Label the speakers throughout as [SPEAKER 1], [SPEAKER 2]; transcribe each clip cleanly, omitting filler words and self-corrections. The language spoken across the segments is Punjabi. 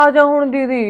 [SPEAKER 1] ਆ ਜਾ ਹੁਣ ਦੀਦੀ।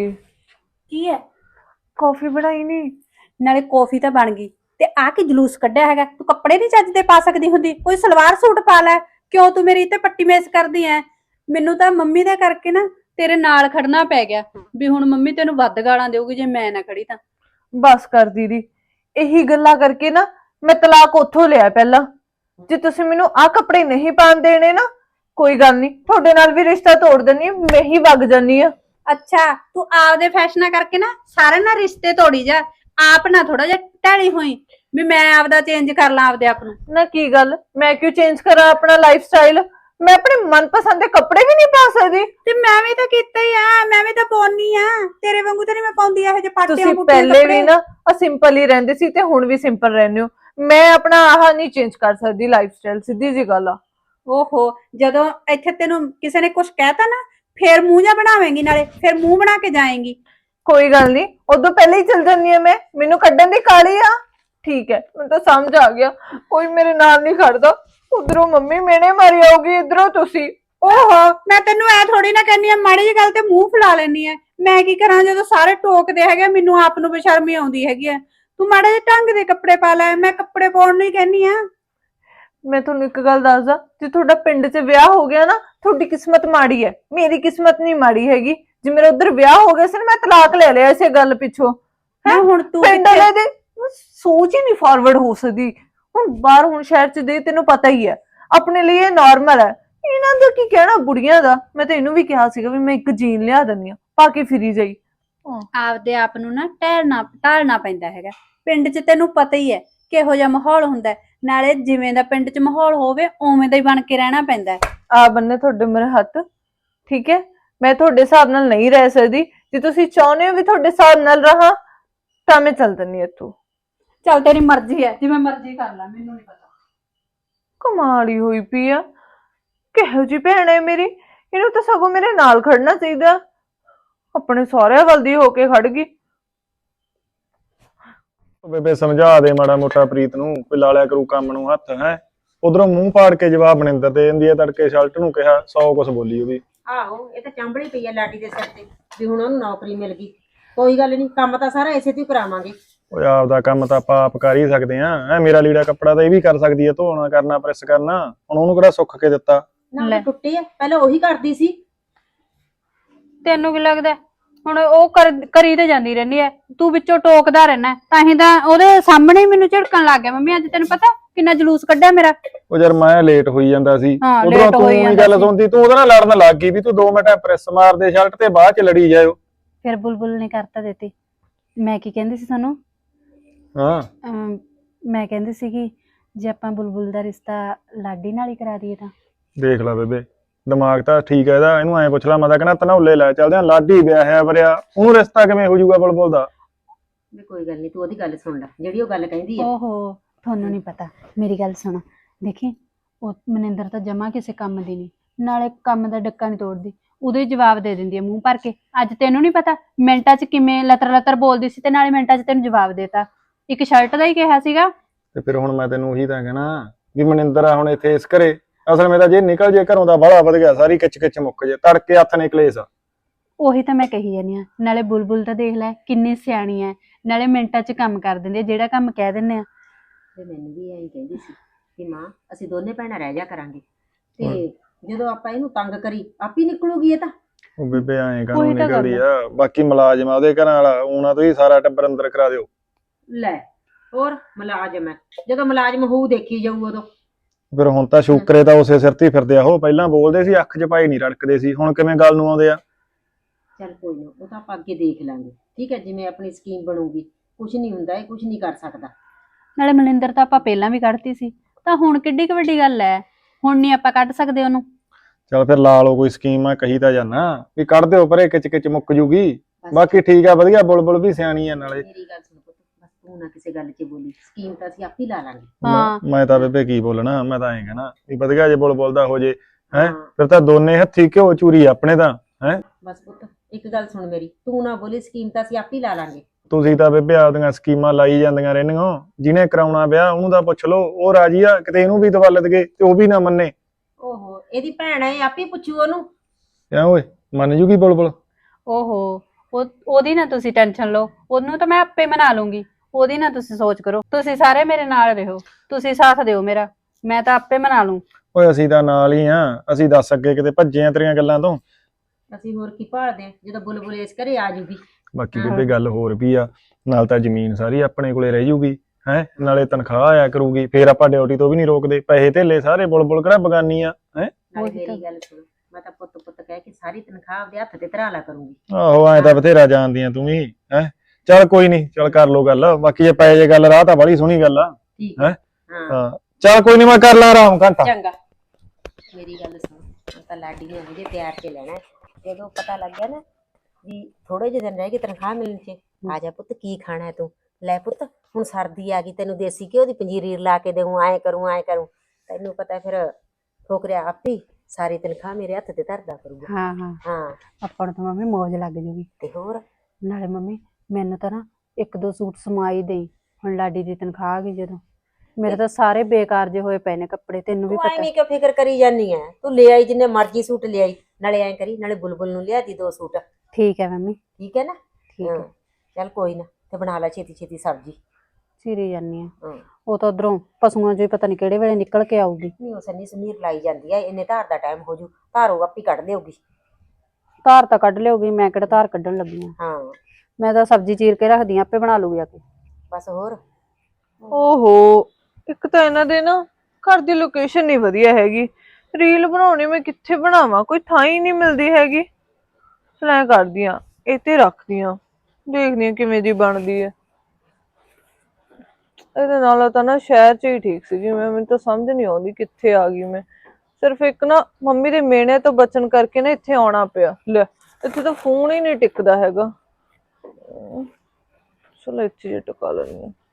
[SPEAKER 2] ਕੀ ਹੈ?
[SPEAKER 1] ਕਾਫੀ ਬਣਾਈ ਨਹੀਂ।
[SPEAKER 2] ਨਾਲੇ ਕੌਫੀ ਤਾਂ ਬਣ ਗਈ ਤੇ ਆ ਕੀ ਜਲੂਸ ਕੱਢਿਆ ਹੈਗਾ? ਤੂੰ ਕੱਪੜੇ ਨਹੀਂ ਚੱਜ ਦੇ ਪਾ ਸਕਦੀ ਹੁੰਦੀ? ਕੋਈ ਸਲਵਾਰ ਸੂਟ ਪਾ ਲੈ। ਕਿਉਂ ਤੂੰ ਮੇਰੀ ਤੇ ਪੱਟੀ ਮੇਸ ਕਰਦੀ ਐ? ਮੈਨੂੰ ਤਾਂ ਮੰਮੀ ਦਾ ਕਰਕੇ ਨਾ ਤੇਰੇ ਨਾਲ ਖੜਨਾ ਪੈ ਗਿਆ ਵੀ ਹੁਣ ਮੰਮੀ ਤੈਨੂੰ ਵੱਧ ਗਾਲਾਂ ਦੇਊਗੀ ਜੇ ਮੈਂ ਨਾ ਖੜੀ ਤਾਂ।
[SPEAKER 1] ਬਸ ਕਰ ਦੀਦੀ, ਇਹੀ ਗੱਲਾਂ ਕਰਕੇ ਨਾ ਮੈਂ ਤਲਾਕ ਉੱਥੋਂ ਲਿਆ ਪਹਿਲਾਂ। ਜੇ ਤੁਸੀਂ ਮੈਨੂੰ ਆ ਕੱਪੜੇ ਨਹੀਂ ਪਾਣ ਦੇਣੇ ਨਾ, ਕੋਈ ਗੱਲ ਨਹੀਂ, ਤੁਹਾਡੇ ਨਾਲ ਵੀ ਰਿਸ਼ਤਾ ਤੋੜ ਦਿੰਨੀ ਆ, ਮੈਂ ਹੀ ਵਗ ਜਾਨੀ ਆ।
[SPEAKER 2] ਅੱਛਾ, ਤੂੰ ਆਪਦੇ ਫੈਸ਼ਨਾਂ ਕਰਕੇ ਨਾ ਸਾਰੇ ਨਾਲ ਰਿਸ਼ਤੇ ਤੋੜੀ ਜਾ। ਆਪ ਨਾ ਥੋੜਾ ਜਿਹਾ ਢੈਲੀ ਹੋਈ ਵੀ ਮੈਂ ਆਪਦਾ ਚੇਂਜ ਕਰ ਲਾਂ ਆਪਦੇ ਆਪ ਨੂੰ।
[SPEAKER 1] ਨਾ ਕੀ ਗੱਲ, ਮੈਂ ਕਿਉਂ ਚੇਂਜ ਕਰਾਂ ਆਪਣਾ ਲਾਈਫ ਸਟਾਈਲ? ਮੈਂ ਆਪਣੇ ਮਨਪਸੰਦ ਦੇ ਕੱਪੜੇ ਵੀ ਨਹੀਂ ਪਾ ਸਕਦੀ?
[SPEAKER 2] ਤੇ ਮੈਂ ਵੀ ਤਾਂ ਕੀਤਾ ਹੀ ਆ, ਮੈਂ ਵੀ ਤਾਂ ਪਾਉਣੀ ਆ। ਤੇਰੇ ਵਾਂਗੂ ਤਾਂ ਨਹੀਂ ਮੈਂ ਪਾਉਂਦੀ ਇਹੋ ਜਿਹੇ ਪਾਟਿਆਂ
[SPEAKER 1] ਤੁਸੀਂ
[SPEAKER 2] ਪੁੱਟੇ
[SPEAKER 1] ਪਹਿਲੇ ਵੀ
[SPEAKER 2] ਕੱਪੜੇ।
[SPEAKER 1] ਨਾ ਸਿੰਪਲ ਹੀ ਰਹਿੰਦੇ ਸੀ ਤੇ ਹੁਣ ਵੀ ਸਿੰਪਲ ਰਹਿੰਦੇ ਹੋ। ਮੈਂ ਆਪਣਾ ਆਹ ਨਹੀਂ ਚੇਂਜ ਕਰ ਸਕਦੀ ਲਾਈਫ ਸਟਾਈਲ, ਸਿੱਧੀ ਜੀ ਗੱਲ ਆ।
[SPEAKER 2] ਓਹੋ, ਜਦੋਂ ਇੱਥੇ ਤੈਨੂੰ ਕਿਸੇ ਨੇ ਕੁਝ ਕਹਿਤਾ ਨਾ ਫੇਰ ਮੂੰਹ ਜਾ ਬਣਾਵੇਂਗੀ, ਨਾਲੇ ਫੇਰ ਮੂੰਹ ਬਣਾ ਕੇ ਜਾਏਂਗੀ।
[SPEAKER 1] ਕੋਈ ਗੱਲ ਨਹੀਂ, ਉਦੋਂ ਪਹਿਲੇ ਹੀ ਚਲ ਜਾਂਦੀ ਆ ਮੈਂ, ਮੈਨੂੰ ਕੱਢਣ ਦੀ ਕਾਹਲੀ ਆ। ਠੀਕ ਹੈ, ਮੈਨੂੰ ਤਾਂ ਸਮਝ ਆ ਗਿਆ, ਕੋਈ ਮੇਰੇ ਨਾਲ ਨਹੀਂ ਖੜਦਾ। ਉਧਰੋਂ ਮੰਮੀ ਮੇਨੇ ਮਾਰੀ ਆਉਗੀ, ਇਧਰੋਂ ਤੁਸੀਂ।
[SPEAKER 2] ਓਹੋ, ਮੈਂ ਤੈਨੂੰ ਐ ਥੋੜੀ ਨਾ ਕਹਿੰਨੀ ਆ, ਮਾੜੀ ਜੀ ਗੱਲ ਤੇ ਮੂੰਹ ਫੁਲਾ ਲੈਣੀ ਐ। ਮੈਂ ਕੀ ਕਰਾਂ ਜਦੋਂ ਸਾਰੇ ਟੋਕਦੇ ਹੈਗੇ, ਮੈਨੂੰ ਆਪ ਨੂੰ ਬੇਸ਼ਰਮੀ ਆਉਂਦੀ ਹੈਗੀ ਐ। ਤੂੰ ਮਾੜੇ ਜਿਹੇ ਢੰਗ ਦੇ ਕੱਪੜੇ ਪਾ ਲੈ, ਮੈਂ ਕੱਪੜੇ ਪਾਉਣ ਨੂੰ ਹੀ ਕਹਿੰਨੀ ਆ।
[SPEAKER 1] ਮੈਂ ਤੁਹਾਨੂੰ ਇੱਕ ਗੱਲ ਦੱਸਦਾ, ਜੇ ਤੁਹਾਡਾ ਪਿੰਡ 'ਚ ਵਿਆਹ ਹੋ ਗਿਆ ਨਾ, ਤੁਹਾਡੀ ਕਿਸਮਤ ਮਾੜੀ ਹੈ, ਮੇਰੀ ਕਿਸਮਤ ਨਹੀਂ ਮਾੜੀ ਹੈਗੀ। ਜੇ ਮੇਰਾ ਉਧਰ ਵਿਆਹ ਹੋ ਗਿਆ ਸੀ ਨਾ, ਮੈਂ ਤਲਾਕ ਲੈ ਲਿਆ ਇਸੇ ਗੱਲ ਪਿੱਛੋਂ।
[SPEAKER 2] ਨਾ ਹੁਣ ਤੂੰ
[SPEAKER 1] ਪਿੰਡ ਵਾਲੇ ਦੇ ਸੋਚ ਹੀ ਨਹੀਂ ਫਾਰਵਰਡ ਹੋ ਸਕਦੀ। ਹੁਣ ਬਾਹਰ, ਹੁਣ ਸ਼ਹਿਰ 'ਚ ਦੇ ਤੈਨੂੰ ਪਤਾ ਹੀ ਹੈ, ਆਪਣੇ ਲਈ ਇਹ ਨਾਰਮਲ ਹੈ। ਇਹਨਾਂ ਦਾ ਕੀ ਕਹਿਣਾ ਬੁੜੀਆਂ ਦਾ। ਮੈਂ ਤਾਂ ਇਹਨੂੰ ਵੀ ਕਿਹਾ ਸੀਗਾ ਵੀ ਮੈਂ ਇੱਕ ਜੀਨ ਲਿਆ ਦਿੰਦੀ ਆ, ਪਾ ਕੇ ਫਿਰੀ ਜਾਈ।
[SPEAKER 2] ਆਪਦੇ ਆਪ ਨੂੰ ਨਾ ਢਾਲਣਾ ਪੈਂਦਾ ਹੈਗਾ। ਪਿੰਡ 'ਚ ਤੈਨੂੰ ਪਤਾ ਹੀ ਹੈ ਕਿਹੋ ਜਿਹਾ ਮਾਹੌਲ ਹੁੰਦਾ ਹੈ। ਨਾਲੇ ਜਿਵੇਂ ਦਾ ਪਿੰਡ 'ਚ ਮਾਹੌਲ ਹੋਵੇ ਉਵੇਂ ਦਾ ਹੀ ਬਣ ਕੇ ਰਹਿਣਾ ਪੈਂਦਾ ਹੈ।
[SPEAKER 1] ਆ ਬੰਨੇ ਤੁਹਾਡੇ ਮੇਰੇ ਹੱਥ, ਠੀਕ ਹੈ? ਮੈਂ ਤੁਹਾਡੇ ਹਿਸਾਬ ਨਾਲ ਨਹੀਂ ਰਹਿ ਸਕਦੀ। ਜੇ ਤੁਸੀਂ ਚਾਹੁੰਦੇ ਹੋ ਵੀ ਤੁਹਾਡੇ ਹਿਸਾਬ ਨਾਲ ਰਹਾਂ ਤਾਂ ਮੈਂ ਚੱਲ ਦਿੰਦੀ ਇੱਥੋਂ।
[SPEAKER 2] ਚੱਲ ਤੇਰੀ ਮਰਜ਼ੀ ਹੈ, ਜਿਵੇਂ ਮਰਜ਼ੀ ਕਰ ਲੈ, ਮੈਨੂੰ ਨਹੀਂ ਪਤਾ।
[SPEAKER 1] ਕਮਾਲ ਹੀ ਹੋਈ ਪਈ ਆ, ਕਿਹੋ ਜੀ ਭੈਣ ਹੈ ਮੇਰੀ। ਇਹਨੂੰ ਤਾਂ ਸਗੋਂ ਮੇਰੇ ਨਾਲ ਖੜਨਾ ਚਾਹੀਦਾ, ਆਪਣੇ ਸਹੁਰਿਆਂ ਵੱਲ ਦੀ ਹੋ ਕੇ ਖੜ ਗਈ।
[SPEAKER 3] ਬੇਬੇ ਸਮਝਾ ਦੇ ਮਾੜਾ ਮੋਟਾ ਪ੍ਰੀਤ ਨੂੰ, ਕੋਈ ਲਾ ਲਿਆ ਕਰੂ ਕੰਮ ਨੂੰ ਹੱਥ। ਹੈ ਉਧਰੋਂ ਮੂੰਹ ਪਾੜ ਕੇ ਜਵਾਬ ਮਨਿੰਦਰ ਦੇ ਦਿੰਦੀ ਹੈ, ਤੜਕੇ ਸ਼ਲਟ ਨੂੰ ਕਿਹਾ 100 ਕੁਛ ਬੋਲੀ ਉਹਦੀ।
[SPEAKER 4] ਆਹੋ, ਇਹ ਤਾਂ ਚੰਬੜੀ ਪਈ ਆ ਲਾਡੀ ਦੇ ਸਿਰ ਤੇ ਵੀ ਹੁਣ ਉਹਨੂੰ ਨੌਕਰੀ ਮਿਲ ਗਈ। ਕੋਈ ਗੱਲ ਨਹੀਂ, ਕੰਮ ਤਾਂ ਸਾਰਾ ਇਸੇ ਤੋਂ ਹੀ ਕਰਾਵਾਂਗੇ।
[SPEAKER 3] ਓਏ ਆਪਦਾ ਕੰਮ ਤਾਂ ਆਪਾਂ ਆਪ ਕਰ ਹੀ ਸਕਦੇ ਆ। ਐ ਮੇਰਾ ਲੀੜਾ ਕੱਪੜਾ ਤਾਂ ਇਹ ਵੀ ਕਰ ਸਕਦੀ ਹੈ, ਧੋਣਾ ਕਰਨਾ, ਪ੍ਰੈਸ ਕਰਨਾ। ਹੁਣ ਉਹਨੂੰ ਕਿਹੜਾ ਸੁੱਖ ਕੇ ਦਿੱਤਾ?
[SPEAKER 4] ਨਾ ਉਹ ਟੁੱਟੀ ਆ, ਪਹਿਲਾਂ ਉਹੀ ਕਰਦੀ ਸੀ।
[SPEAKER 2] ਤੈਨੂੰ ਕੀ ਲੱਗਦਾ ਹੁਣ ਉਹ ਕਰੀ ਤੇ ਜਾਂਦੀ ਰਹਿੰਦੀ ਐ, ਤੂੰ ਵਿੱਚੋਂ ਟੋਕਦਾ ਰਹਿਣਾ। ਤਾਂ ਹੀ ਤਾਂ ਉਹਦੇ ਸਾਹਮਣੇ ਹੀ ਮੈਨੂੰ ਝਿੜਕਣ ਲੱਗ ਗਿਆ। ਮੰਮੀ ਅੱਜ ਤੈਨੂੰ ਪਤਾ ਕਿੰਨਾ ਜਲੂਸ ਕੱਢਿਆ ਮੇਰਾ।
[SPEAKER 3] ਉਹ ਯਾਰ ਮੈਂ ਲੇਟ ਹੋਈ ਜਾਂਦਾ ਸੀ,
[SPEAKER 2] ਹਾਂ,
[SPEAKER 3] ਉਧਰੋਂ
[SPEAKER 2] ਲੇਟ
[SPEAKER 3] ਤੂੰ
[SPEAKER 2] ਹੋਈ
[SPEAKER 3] ਹੀ
[SPEAKER 2] ਜਾਂਦਾ
[SPEAKER 3] ਗੱਲ
[SPEAKER 2] ਸੀ।
[SPEAKER 3] ਸੁਣਦੀ, ਤੂੰ ਉਹਦੇ ਨਾਲ ਲੜਨ ਲੱਗ ਗਈ ਵੀ ਤੂੰ 2 ਮਿੰਟ ਪ੍ਰੈਸ ਮਾਰ ਦੇ ਸ਼ਰਟ ਤੇ, ਬਾਅਦ ਚ ਲੜੀ ਜਾਇਓ।
[SPEAKER 2] ਫਿਰ ਬੁਲਬੁਲ ਨੇ ਕਰਤਾ ਦਿੱਤੀ। ਮੈਂ ਕੀ ਕਹਿੰਦੀ ਸੀ ਤੁਹਾਨੂੰ?
[SPEAKER 3] ਹਾਂ,
[SPEAKER 2] ਮੈਂ ਕਹਿੰਦੀ ਸੀਗੀ ਜੇ ਆਪਾਂ ਬੁਲਬੁਲ ਦਾ ਰਿਸ਼ਤਾ ਲਾਡੀ ਨਾਲ ਹੀ ਕਰਾ ਦਈਏ ਤਾਂ।
[SPEAKER 3] ਦੇਖ ਲੈ ਬੇਬੇ, ਦਿਮਾਗ ਤਾਂ ਠੀਕ ਹੈ ਇਹਦਾ। ਇਹਨੂੰ ਐਂ ਪੁੱਛ ਲਾ, ਮੈਂ ਤਾਂ ਕਹਿੰਦਾ ਧਨੌਲੇ ਲੈ ਚੱਲਦੇ ਆ। ਲਾਡੀ ਵਿਆਹਿਆ ਵਰਿਆ, ਉਹਨੂੰ ਰਿਸ਼ਤਾ ਕਿਵੇਂ ਹੋ ਜਾਊਗਾ ਬੁਲਬੁਲ ਦਾ?
[SPEAKER 4] ਵੀ ਕੋਈ ਗੱਲ ਨਹੀਂ, ਤੂੰ ਉਹਦੀ ਗੱਲ ਸੁਣ ਲੈ ਜਿਹੜੀ ਉਹ ਗੱਲ ਕਹਿੰਦੀ ਆ।
[SPEAKER 2] ਓਹੋ, ਤੁਹਾਨੂੰ ਨਹੀਂ ਪਤਾ, ਮੇਰੀ ਗੱਲ ਸੁਣ। ਦੇਖੀ, ਉਹ ਮਨਿੰਦਰ ਤਾਂ ਜਮਾ ਕਿਸੇ ਕੰਮ ਦੀ ਨਹੀਂ, ਨਾਲੇ ਕੰਮ ਦਾ ਡੱਕਾ ਨਹੀਂ ਤੋੜਦੀ। ਉਦੋਂ ਹੀ ਜਵਾਬ ਦੇ ਦਿੰਦੀ ਹੈ ਮੂੰਹ ਭਰ ਕੇ। ਅੱਜ ਤੈਨੂੰ ਨਹੀਂ ਪਤਾ ਮਿੰਟਾਂ 'ਚ ਕਿਵੇਂ ਲਤਰ ਲਤਰ ਬੋਲਦੀ ਸੀ, ਤੇ ਨਾਲੇ ਮਿੰਟਾਂ 'ਚ ਤੈਨੂੰ ਜਵਾਬ ਦੇਤਾ। ਇੱਕ ਸ਼ਰਟ ਦਾ ਹੀ ਕਿਹਾ ਸੀਗਾ।
[SPEAKER 3] ਤੇ ਫਿਰ ਹੁਣ ਮੈਂ ਤੈਨੂੰ ਉਹੀ ਤਾਂ ਕਹਿਣਾ ਵੀ ਮਨਿੰਦਰ ਆ ਹੁਣ ਇੱਥੇ ਇਸ ਘਰੇ। ਅਸਲ ਮੈਂ ਤਾਂ ਜੇ ਨਿਕਲ ਜੇ ਘਰੋਂ ਦਾ ਬਾਹਲਾ ਵਧ ਗਿਆ, ਸਾਰੀ ਕਿਚ ਕਿਚ ਮੁੱਕ ਜੇ, ਤੜਕੇ ਹੱਥ ਨੇ ਕਲੇਸ਼।
[SPEAKER 2] ਉਹੀ ਤਾਂ ਮੈਂ ਕਹੀ ਜਾਂਦੀ ਆ। ਨਾਲੇ ਬੁਲਬੁਲ ਤਾਂ ਦੇਖ ਲੈ ਕਿੰਨੀ ਸਿਆਣੀ ਹੈ, ਨਾਲੇ ਮਿੰਟਾਂ 'ਚ ਕੰਮ ਕਰ ਦਿੰਦੀ ਹੈ ਜਿਹੜਾ ਕੰਮ ਕਹਿ ਦਿੰਦੇ ਆ।
[SPEAKER 4] ਤੇ ਮੈਨੂੰ ਵੀ ਐਂ ਕਹਿੰਦੀ ਸੀ ਕਿ ਮਾਂ ਅਸੀਂ ਦੋਨੇ ਭੈਣਾਂ ਰਹਿ ਜਾ ਕਰਾਂਗੇ, ਤੇ ਜਦੋਂ ਆਪਾਂ ਇਹਨੂੰ ਤੰਗ ਕਰੀ ਆਪ ਹੀ ਨਿਕਲੂਗੀ ਇਹ ਤਾਂ।
[SPEAKER 3] ਉਹ ਬੇਬੇ ਐਂ ਕਾਹਨੂੰ ਨਿਕਲਦੀ ਆ? ਬਾਕੀ ਮੁਲਾਜ਼ਮ ਆ ਉਹਦੇ ਘਰਾਂ ਵਾਲਾ, ਉਹਨਾਂ ਤੋਂ ਹੀ ਸਾਰਾ ਟੱਬਰ ਅੰਦਰ ਕਰਾ ਦਿਓ।
[SPEAKER 4] ਲੈ ਹੋਰ ਮੁਲਾਜ਼ਮ ਹੈ, ਜਦੋਂ ਮੁਲਾਜ਼ਮ ਹੋਊ ਦੇਖੀ ਜਾਊ ਉਦੋਂ।
[SPEAKER 3] ਫਿਰ ਹੁਣ ਤਾਂ ਸ਼ੂਕਰੇ ਤਾਂ ਉਸੇ ਸਿਰ ਤੇ ਹੀ ਫਿਰਦੇ ਆ। ਉਹ ਪਹਿਲਾਂ ਬੋਲਦੇ ਸੀ, ਅੱਖ 'ਚ ਪਾਈ ਨਹੀਂ ਰੜਕਦੇ ਸੀ, ਹੁਣ ਕਿਵੇਂ ਗੱਲ ਨੂੰ ਆਉਂਦੇ ਆ?
[SPEAKER 4] ਚੱਲ ਕੋਈ ਨਾ, ਉਹ ਤਾਂ ਆਪਾਂ ਅੱਗੇ ਦੇਖ ਲਾਂਗੇ। ਠੀਕ ਹੈ, ਜਿਵੇਂ ਆਪਣੀ ਸਕੀਮ ਬਣੂਗੀ। ਕੁਝ ਨਹੀਂ ਹੁੰਦਾ, ਇਹ ਕੁਝ ਨਹੀਂ ਕਰ ਸਕਦਾ।
[SPEAKER 2] ਨਾਲੇ ਮਨਿੰਦਰ ਤਾਂ ਆਪਾਂ ਪਹਿਲਾਂ ਵੀ ਕੱਢਤੀ ਸੀ, ਤਾਂ ਹੁਣ ਕਿੱਡੀ ਕੁ ਵੱਡੀ ਗੱਲ ਹੈ? ਹੁਣ ਨਹੀਂ ਆਪਾਂ ਕੱਢ ਸਕਦੇ ਉਹਨੂੰ?
[SPEAKER 3] ਚੱਲ ਫਿਰ ਲਾ ਲਓ ਕੋਈ ਸਕੀਮ। ਆ ਕਹੀ ਤਾਂ ਜਾਨਾ ਵੀ ਕੱਢ ਦਿਓ ਪਰੇ, ਕਿਚ ਕਿਚ ਮੁੱਕ ਜੂਗੀ। ਬਾਕੀ ਠੀਕ ਆ, ਵਧੀਆ, ਬੁਲਬੁਲ ਵੀ ਸਿਆਣੀ ਆ ਨਾਲੇ।
[SPEAKER 4] ਮੇਰੀ ਗੱਲ ਸੁਣ ਪੁੱਤ, ਬਸ ਤੂੰ ਨਾ ਕਿਸੇ ਗੱਲ 'ਚ ਬੋਲੀ। ਸਕੀਮ ਤਾਂ ਅਸੀਂ ਆਪੇ ਲਾ ਲਾਂਗੇ।
[SPEAKER 2] ਹਾਂ।
[SPEAKER 3] ਮੈਂ ਤਾਂ ਬੇਬੇ ਕੀ ਬੋਲਣਾ, ਮੈਂ ਤਾਂ ਐਂ ਕਹਿਣਾ ਵੀ ਵਧੀਆ ਜੇ ਬੁਲਬੁਲ ਦਾ ਹੋ ਜੇ। ਹੈ ਫਿਰ ਤਾਂ ਦੋਨੇ ਹੱਥੀ ਘਿਓ ਚੂਰੀ ਆਪਣੇ ਤਾਂ। ਹੈ
[SPEAKER 4] ਬਸ ਪੁੱਤ ਇੱਕ ਗੱਲ ਸੁਣ ਮੇਰੀ, ਤੂੰ ਨਾ ਬੋਲੀ, ਸਕੀਮ ਤਾਂ ਅਸੀਂ ਆਪੇ ਲਾ ਲਾਂਗੇ।
[SPEAKER 3] ਤੁਸੀਂ ਤਾਂ ਬੇਬੇ ਆਪਦੀਆਂ ਸਕੀਮਾਂ ਲਾਈ ਜਾਂਦੀਆਂ ਰਹਿੰਦੀਆਂ। ਜਿਹਨੇ ਕਰਾਉਣਾ ਵਿਆਹ ਉਹਨੂੰ ਤਾਂ ਪੁੱਛ ਲਓ, ਉਹ ਰਾਜੀ ਆ। ਕਿਤੇ ਇਹਨੂੰ ਵੀ ਦਵਲ ਦਗੇ ਤੇ ਉਹ ਵੀ ਨਾ ਮੰਨੇ।
[SPEAKER 4] ਓਹੋ, ਇਹਦੀ ਭੈਣ ਹੈ, ਆਪੇ ਪੁੱਛੂ ਉਹਨੂੰ।
[SPEAKER 3] ਕਿਉਂ ਓਏ, ਮੰਨ ਜੂਗੀ ਬੁਲਬੁਲ?
[SPEAKER 2] ਓਹੋ, ਉਹਦੀ ਨਾ ਤੁਸੀਂ ਟੈਨਸ਼ਨ ਲਓ, ਉਹਨੂੰ ਤਾਂ ਮੈਂ ਆਪੇ ਮਨਾ ਲੂੰਗੀ। ਉਹਦੀ ਨਾ ਤੁਸੀਂ ਸੋਚ ਕਰੋ, ਤੁਸੀਂ ਸਾਰੇ ਮੇਰੇ ਨਾਲ ਰਹੋ, ਤੁਸੀਂ ਸਾਥ ਦਿਓ ਮੇਰਾ, ਮੈਂ ਤਾਂ ਆਪੇ ਮਨਾ ਲੂੰ।
[SPEAKER 3] ਓਏ ਅਸੀਂ ਤਾਂ ਨਾਲ ਹੀ ਆ, ਅਸੀਂ ਦੱਸ ਅੱਗੇ ਕਿਤੇ ਭੱਜੇ ਆ ਤੇਰੀਆਂ ਗੱਲਾਂ ਤੋਂ।
[SPEAKER 4] ਅਸੀਂ ਹੋਰ ਕੀ ਭਾਲਦੇ ਆਂ, ਜਦੋਂ ਬੁਲਬੁਲ ਇਸ ਘਰੇ ਆ ਜੂਗੀ।
[SPEAKER 3] ਬਾਕੀ ਬੇਬੇ ਗੱਲ ਹੋਰ ਵੀ ਆ, ਨਾਲ ਤਾਂ ਜ਼ਮੀਨ ਸਾਰੀ ਆਪਣੇ ਕੋਲੇ ਰਹਿ ਜੂਗੀ ਹੈ, ਨਾਲੇ ਤਨਖਾਹ ਆਇਆ ਕਰੂਗੀ, ਫੇਰ ਆਪਾਂ ਡਿਊਟੀ ਤੋਂ ਵੀ ਨਹੀਂ ਰੋਕਦੇ, ਪੈਸੇ ਧੇਲੇ ਸਾਰੇ ਬੁਲਬੁਲ ਕਿਹੜਾ ਬਗਾਨੀ ਆ ਹੈ।
[SPEAKER 4] ਨਾਲੇ
[SPEAKER 2] ਉਹੀ ਤਾਂ।
[SPEAKER 4] ਮੇਰੀ ਗੱਲ ਸੁਣ, ਮੈਂ ਤਾਂ ਪੁੱਤ ਪੁੱਤ ਕਹਿ ਕੇ ਸਾਰੀ ਤਨਖਾਹ ਆਪਦੇ ਹੱਥ ਤੇ ਧਰਾ ਲਾ ਕਰੂੰਗੀ।
[SPEAKER 3] ਆਹੋ ਐ ਤਾਂ ਬਥੇਰਾ ਜਾਣਦੀ ਆ ਤੂੰ ਵੀ ਹੈ। ਚੱਲ ਕੋਈ ਨਹੀਂ, ਚੱਲ ਕਰ ਲੋ ਗੱਲ, ਬਾਕੀ ਜੇ ਪੈ ਜੇ ਗੱਲ ਰਾਹ ਤਾਂ ਬੜੀ ਸੋਹਣੀ ਗੱਲ ਆ
[SPEAKER 4] ਠੀਕ
[SPEAKER 3] ਹੈ।
[SPEAKER 4] ਹਾਂ
[SPEAKER 3] ਹਾਂ ਚੱਲ ਕੋਈ ਨਹੀਂ, ਮੈਂ ਕਰ ਲਾਂ ਆਰਾਮ ਘੰਟਾ।
[SPEAKER 4] ਚੰਗਾ। ਮੇਰੀ ਗੱਲ ਸੁਣ, ਹੁਣ ਤਾਂ ਲਾਡੀ ਨੇ ਉਹਦੇ ਤਿਆਰ ਕੇ ਲੈਣਾ ਹੈ। ਜਦੋਂ ਪਤਾ ਲੱਗ ਗਿਆ ਨਾ ਵੀ ਥੋੜੇ ਜਿਹੇ ਦਿਨ ਰਹਿ ਗਏ ਤਨਖਾਹ ਮਿਲਣ 'ਚ, ਆ ਜਾ ਪੁੱਤ ਕੀ ਖਾਣਾ ਹੈ ਤੂੰ, ਲੈ ਪੁੱਤ ਹੁਣ ਸਰਦੀ ਆ ਗਈ, ਤੈਨੂੰ ਦੇਸੀ ਘਿਓ ਦੀ ਪੰਜੀਰੀ ਲਾ ਕੇ ਦੇਵਾਂ, ਐਂ ਕਰੂੰ ਐਂ ਕਰੂੰ। ਤੈਨੂੰ ਪਤਾ ਫਿਰ ਠੋਕਰਿਆ ਆਪੀ ਸਾਰੀ ਤਨਖਾਹ ਮੇਰੇ ਹੱਥ ਤੇ ਧਰਦਾ ਕਰੂਗਾ।
[SPEAKER 2] ਹਾਂ ਹਾਂ,
[SPEAKER 4] ਹਾਂ
[SPEAKER 2] ਆਪਾਂ ਨੂੰ ਤਾਂ ਮੰਮੀ ਮੌਜ ਲੱਗ ਜੂਗੀ।
[SPEAKER 4] ਤੇ ਹੋਰ
[SPEAKER 2] ਨਾਲੇ ਮੰਮੀ ਮੈਨੂੰ ਤਾਂ ਨਾ 1-2 ਸੂਟ ਸਮਾਈ ਦੇਈ, ਹੁਣ ਲਾਡੀ ਦੀ ਤਨਖਾਹ ਆ ਗਈ ਜਦੋਂ। ਮੇਰੇ ਤਾਂ ਸਾਰੇ ਬੇਕਾਰ ਜੇ ਹੋਏ ਪਏ ਨੇ ਕੱਪੜੇ, ਤੈਨੂੰ ਵੀ
[SPEAKER 4] ਤੂੰ
[SPEAKER 2] ਪਤਾ।
[SPEAKER 4] ਐਵੇਂ ਕਿਉਂ ਫਿਕਰ ਕਰੀ ਜਾਨੀ ਐ, ਤੂੰ ਲੈ ਆਈ ਜਿੰਨੇ ਮਰਜ਼ੀ ਸੂਟ ਲੈ ਆਈ, ਨਾਲੇ ਐਂ ਕਰੀ ਨਾਲੇ ਬੁਲਬੁਲ ਨੂੰ ਲਿਆ ਦੀ 2 ਸੂਟ।
[SPEAKER 2] ਠੀਕ ਹੈ ਮੰਮੀ,
[SPEAKER 4] ਠੀਕ ਹੈ ਨਾ।
[SPEAKER 2] ਠੀਕ
[SPEAKER 4] ਹਾਂ
[SPEAKER 2] ਹੈ।
[SPEAKER 4] ਚੱਲ ਕੋਈ ਨਾ, ਤੇ ਬਣਾ ਲੈ ਛੇਤੀ ਛੇਤੀ ਸਬਜ਼ੀ।
[SPEAKER 2] ਸਿਰੇ ਜਾਨੀ ਆ,
[SPEAKER 4] ਹਾਂ
[SPEAKER 2] ਉਹ ਤਾਂ ਉਧਰੋਂ ਪਸ਼ੂਆਂ ਚੋਂ ਹੀ ਪਤਾ ਨਹੀਂ ਕਿਹੜੇ ਵੇਲੇ ਨਿਕਲ ਕੇ ਆਊਗੀ।
[SPEAKER 4] ਨਹੀਂ ਉਹ ਸੰਨੀ ਸਮੀਰ ਲਾਈ ਜਾਂਦੀ ਐ, ਇੰਨੇ ਧਾਰ ਦਾ ਟਾਈਮ ਹੋ ਜੂ, ਧਾਰੋ ਆਪੀ ਕੱਢ ਲਿਓਗੀ।
[SPEAKER 2] ਧਾਰ ਤਾਂ ਕੱਢ ਲਿਓਗੀ, ਮੈਂ ਕਿਹੜਾ ਧਾਰ ਕੱਢਣ ਲੱਗੀ ਆ।
[SPEAKER 4] ਹਾਂ
[SPEAKER 2] ਮੈਂ ਤਾਂ ਸਬਜ਼ੀ ਚੀਰ ਕੇ ਰੱਖਦੀ ਆ, ਆਪੇ ਬਣਾ ਲੂਗੀ ਆ ਕੇ।
[SPEAKER 4] ਬਸ ਹੋਰ
[SPEAKER 1] ਓਹੋ, ਇੱਕ ਤਾਂ ਇਹਨਾਂ ਦੇ ਨਾ ਘਰ ਦੀ ਲੋਕੇਸ਼ਨ ਨਹੀਂ ਵਧੀਆ ਹੈਗੀ, ਰੀਲ ਬਣਾਉਣੀ ਮੈਂ ਕਿੱਥੇ ਬਣਾਵਾਂ, ਕੋਈ ਥਾਂ ਹੀ ਨਹੀਂ ਮਿਲਦੀ ਹੈਗੀ। ਮੈਂ ਕਰਦੀ ਆ, ਇਹ ਤੇ ਰੱਖਦੀ ਆ, ਦੇਖਦੀ ਆ ਕਿਵੇਂ ਦੀ ਬਣਦੀ ਹੈ। ਇਹਦੇ ਨਾਲੋਂ ਤਾਂ ਨਾ ਸ਼ਹਿਰ 'ਚ ਹੀ ਠੀਕ ਸੀ ਜੀ, ਮੈਨੂੰ ਤਾਂ ਸਮਝ ਨਹੀਂ ਆਉਂਦੀ ਕਿੱਥੇ ਆ ਗਈ ਮੈਂ। ਸਿਰਫ ਇੱਕ ਨਾ ਮੰਮੀ ਦੇ ਮਿਹਣੇ ਤੋਂ ਬਚਣ ਕਰਕੇ ਨਾ ਇੱਥੇ ਆਉਣਾ ਪਿਆ। ਲੈ ਇੱਥੇ ਤਾਂ ਫੋਨ ਹੀ ਨਹੀਂ ਟਿਕਦਾ ਹੈਗਾ। ਚਲੋ ਇੱਥੇ ਜੇ ਟਿਕਾ ਲੈਂਦੀ ਹਾਂ।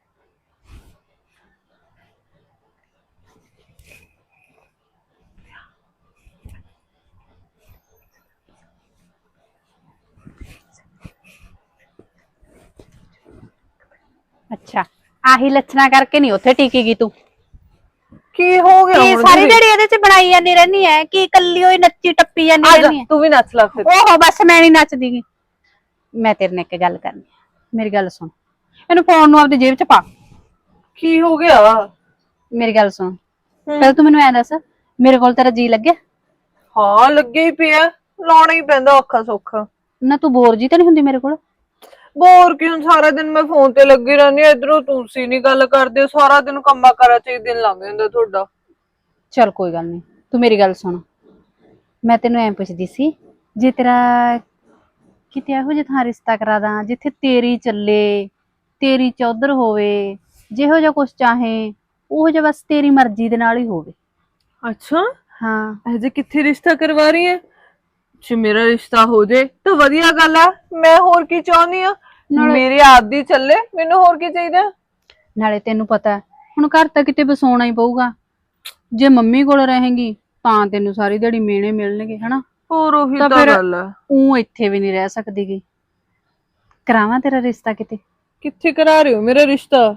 [SPEAKER 2] ਅੱਛਾ, ਆਹੀ ਲੱਛਣਾ ਕਰਕੇ ਨਹੀਂ ਉੱਥੇ ਟਿਕੀ ਗਈ ਤੂੰ।
[SPEAKER 1] ਕੀ ਹੋ ਗਿਆ
[SPEAKER 2] ਕੀ
[SPEAKER 1] ਹੁਣ
[SPEAKER 2] ਸਾਰੀ
[SPEAKER 1] ਦੀਦੀ?
[SPEAKER 2] ਦਿਹਾੜੀ ਇਹਦੇ ਚ ਬਣਾਈ ਜਾਂਦੀ ਰਹਿਨੀ ਹੈ, ਕੀ ਕੱਲੀ ਹੋਈ ਨੱਚੀ ਟੱਪੀ ਜਾਂਦੀ
[SPEAKER 1] ਆ ਜਾ
[SPEAKER 2] ਰਹਿਨੀ ਹੈ?
[SPEAKER 1] ਤੂੰ ਵੀ ਨੱਚ ਲੈ ਫਿਰ।
[SPEAKER 2] ਓਹੋ ਬਸ ਮੈਂ ਨਹੀਂ ਨੱਚਦੀ ਗੀ। ਮੈਂ ਤੇਰੇ ਨਾਲ ਇੱਕ ਗੱਲ ਕਰਨੀ ਹੈ, ਮੇਰੀ ਗੱਲ ਸੁਣ। ਇਹਨੂੰ ਫੋਨ ਨੂੰ ਆਪਦੀ ਜੇਬ ਚ ਪਾ।
[SPEAKER 1] ਕੀ ਹੋ ਗਿਆ?
[SPEAKER 2] ਮੇਰੀ ਗੱਲ ਸੁਣ, ਪਹਿਲਾਂ ਤੂੰ ਮੈਨੂੰ ਐ ਦੱਸ, ਮੇਰੇ ਕੋਲ ਤੇਰਾ ਜੀ ਲੱਗਿਆ?
[SPEAKER 1] ਹਾਂ ਲੱਗੇ ਹੀ ਪਿਆ, ਲਾਉਣਾ ਹੀ ਪੈਂਦਾ ਔਖਾ ਸੌਖਾ।
[SPEAKER 2] ਨਾ ਤੂੰ ਬੋਰ ਜੀ ਤਾਂ ਨਹੀਂ ਹੁੰਦੀ ਮੇਰੇ ਕੋਲ?
[SPEAKER 1] ਬੋਰ ਕਿਉਂ, ਸਾਰਾ ਦਿਨ ਮੈਂ ਫੋਨ ਤੇ ਲੱਗੀ ਰਹਿੰਦੀ ਆ, ਇਧਰੋਂ ਤੁਸੀਂ ਨਹੀਂ ਗੱਲ ਕਰਦੇ, ਸਾਰਾ ਦਿਨ ਕੰਮਾਂ ਕਾਰਾਂ 'ਚ ਹੀ ਦਿਨ ਲੰਘ ਜਾਂਦਾ ਤੁਹਾਡਾ।
[SPEAKER 2] ਚਲ ਕੋਈ ਗੱਲ ਨਹੀਂ, ਤੂੰ ਮੇਰੀ ਗੱਲ ਸੁਣ। ਮੈਂ ਤੈਨੂੰ ਐਂ ਪੁੱਛਦੀ ਸੀ, ਜੇ ਤੇਰਾ ਕਿਤੇ ਇਹੋ ਜਿਹਾ ਥਾਂ ਰਿਸ਼ਤਾ ਕਰਾ ਦਾਂ ਜਿੱਥੇ ਤੇਰੀ ਚੱਲੇ, ਤੇਰੀ ਚੌਧਰ ਹੋਵੇ, ਜਿਹੋ ਜਿਹਾ ਕੁਛ ਚਾਹੇ ਉਹ ਜਿਹਾ ਬਸ ਤੇਰੀ ਮਰਜ਼ੀ ਦੇ ਨਾਲ ਹੀ ਹੋਵੇ।
[SPEAKER 1] ਅੱਛਾ,
[SPEAKER 2] ਹਾਂ
[SPEAKER 1] ਅਜੇ ਕਿੱਥੇ ਰਿਸ਼ਤਾ ਕਰਵਾ ਰਹੀ ਹੈ? ਜੇ ਮੇਰਾ ਰਿਸ਼ਤਾ ਹੋ ਜੇ ਤਾਂ ਵਧੀਆ ਗੱਲ ਆ, ਮੈਂ ਹੋਰ ਕੀ ਚਾਹੁੰਦੀ ਆ, ਮੇਰੀ ਆਪਦੀ ਚੱਲੇ, ਮੈਨੂੰ ਹੋਰ ਕੀ ਚਾਹੀਦਾ।
[SPEAKER 2] ਨਾਲੇ ਤੈਨੂੰ ਪਤਾ ਹੁਣ ਘਰ ਤਾਂ ਕਿਤੇ ਵਸਾਉਣਾ ਹੀ ਪਊਗਾ, ਜੇ ਮੰਮੀ ਕੋਲ ਰਹੇਂਗੀ ਤਾਂ ਤੈਨੂੰ ਸਾਰੀ ਦਿਹਾੜੀ ਮਿਹਣੇ ਮਿਲਣਗੇ ਹਨਾ।
[SPEAKER 1] ਹੋਰ ਉਹੀ
[SPEAKER 2] ਤਾਂ
[SPEAKER 1] ਤਾਂ
[SPEAKER 2] ਫਿਰ
[SPEAKER 1] ਗੱਲ ਆ।
[SPEAKER 2] ਉਹ ਇੱਥੇ ਵੀ ਨਹੀਂ ਰਹਿ ਸਕਦੀ ਗੀ। ਕਰਾਵਾਂ ਤੇਰਾ ਰਿਸ਼ਤਾ ਕਿਤੇ?
[SPEAKER 1] ਕਿੱਥੇ ਕਰਾ ਰਹੇ ਹੋ ਮੇਰਾ ਰਿਸ਼ਤਾ?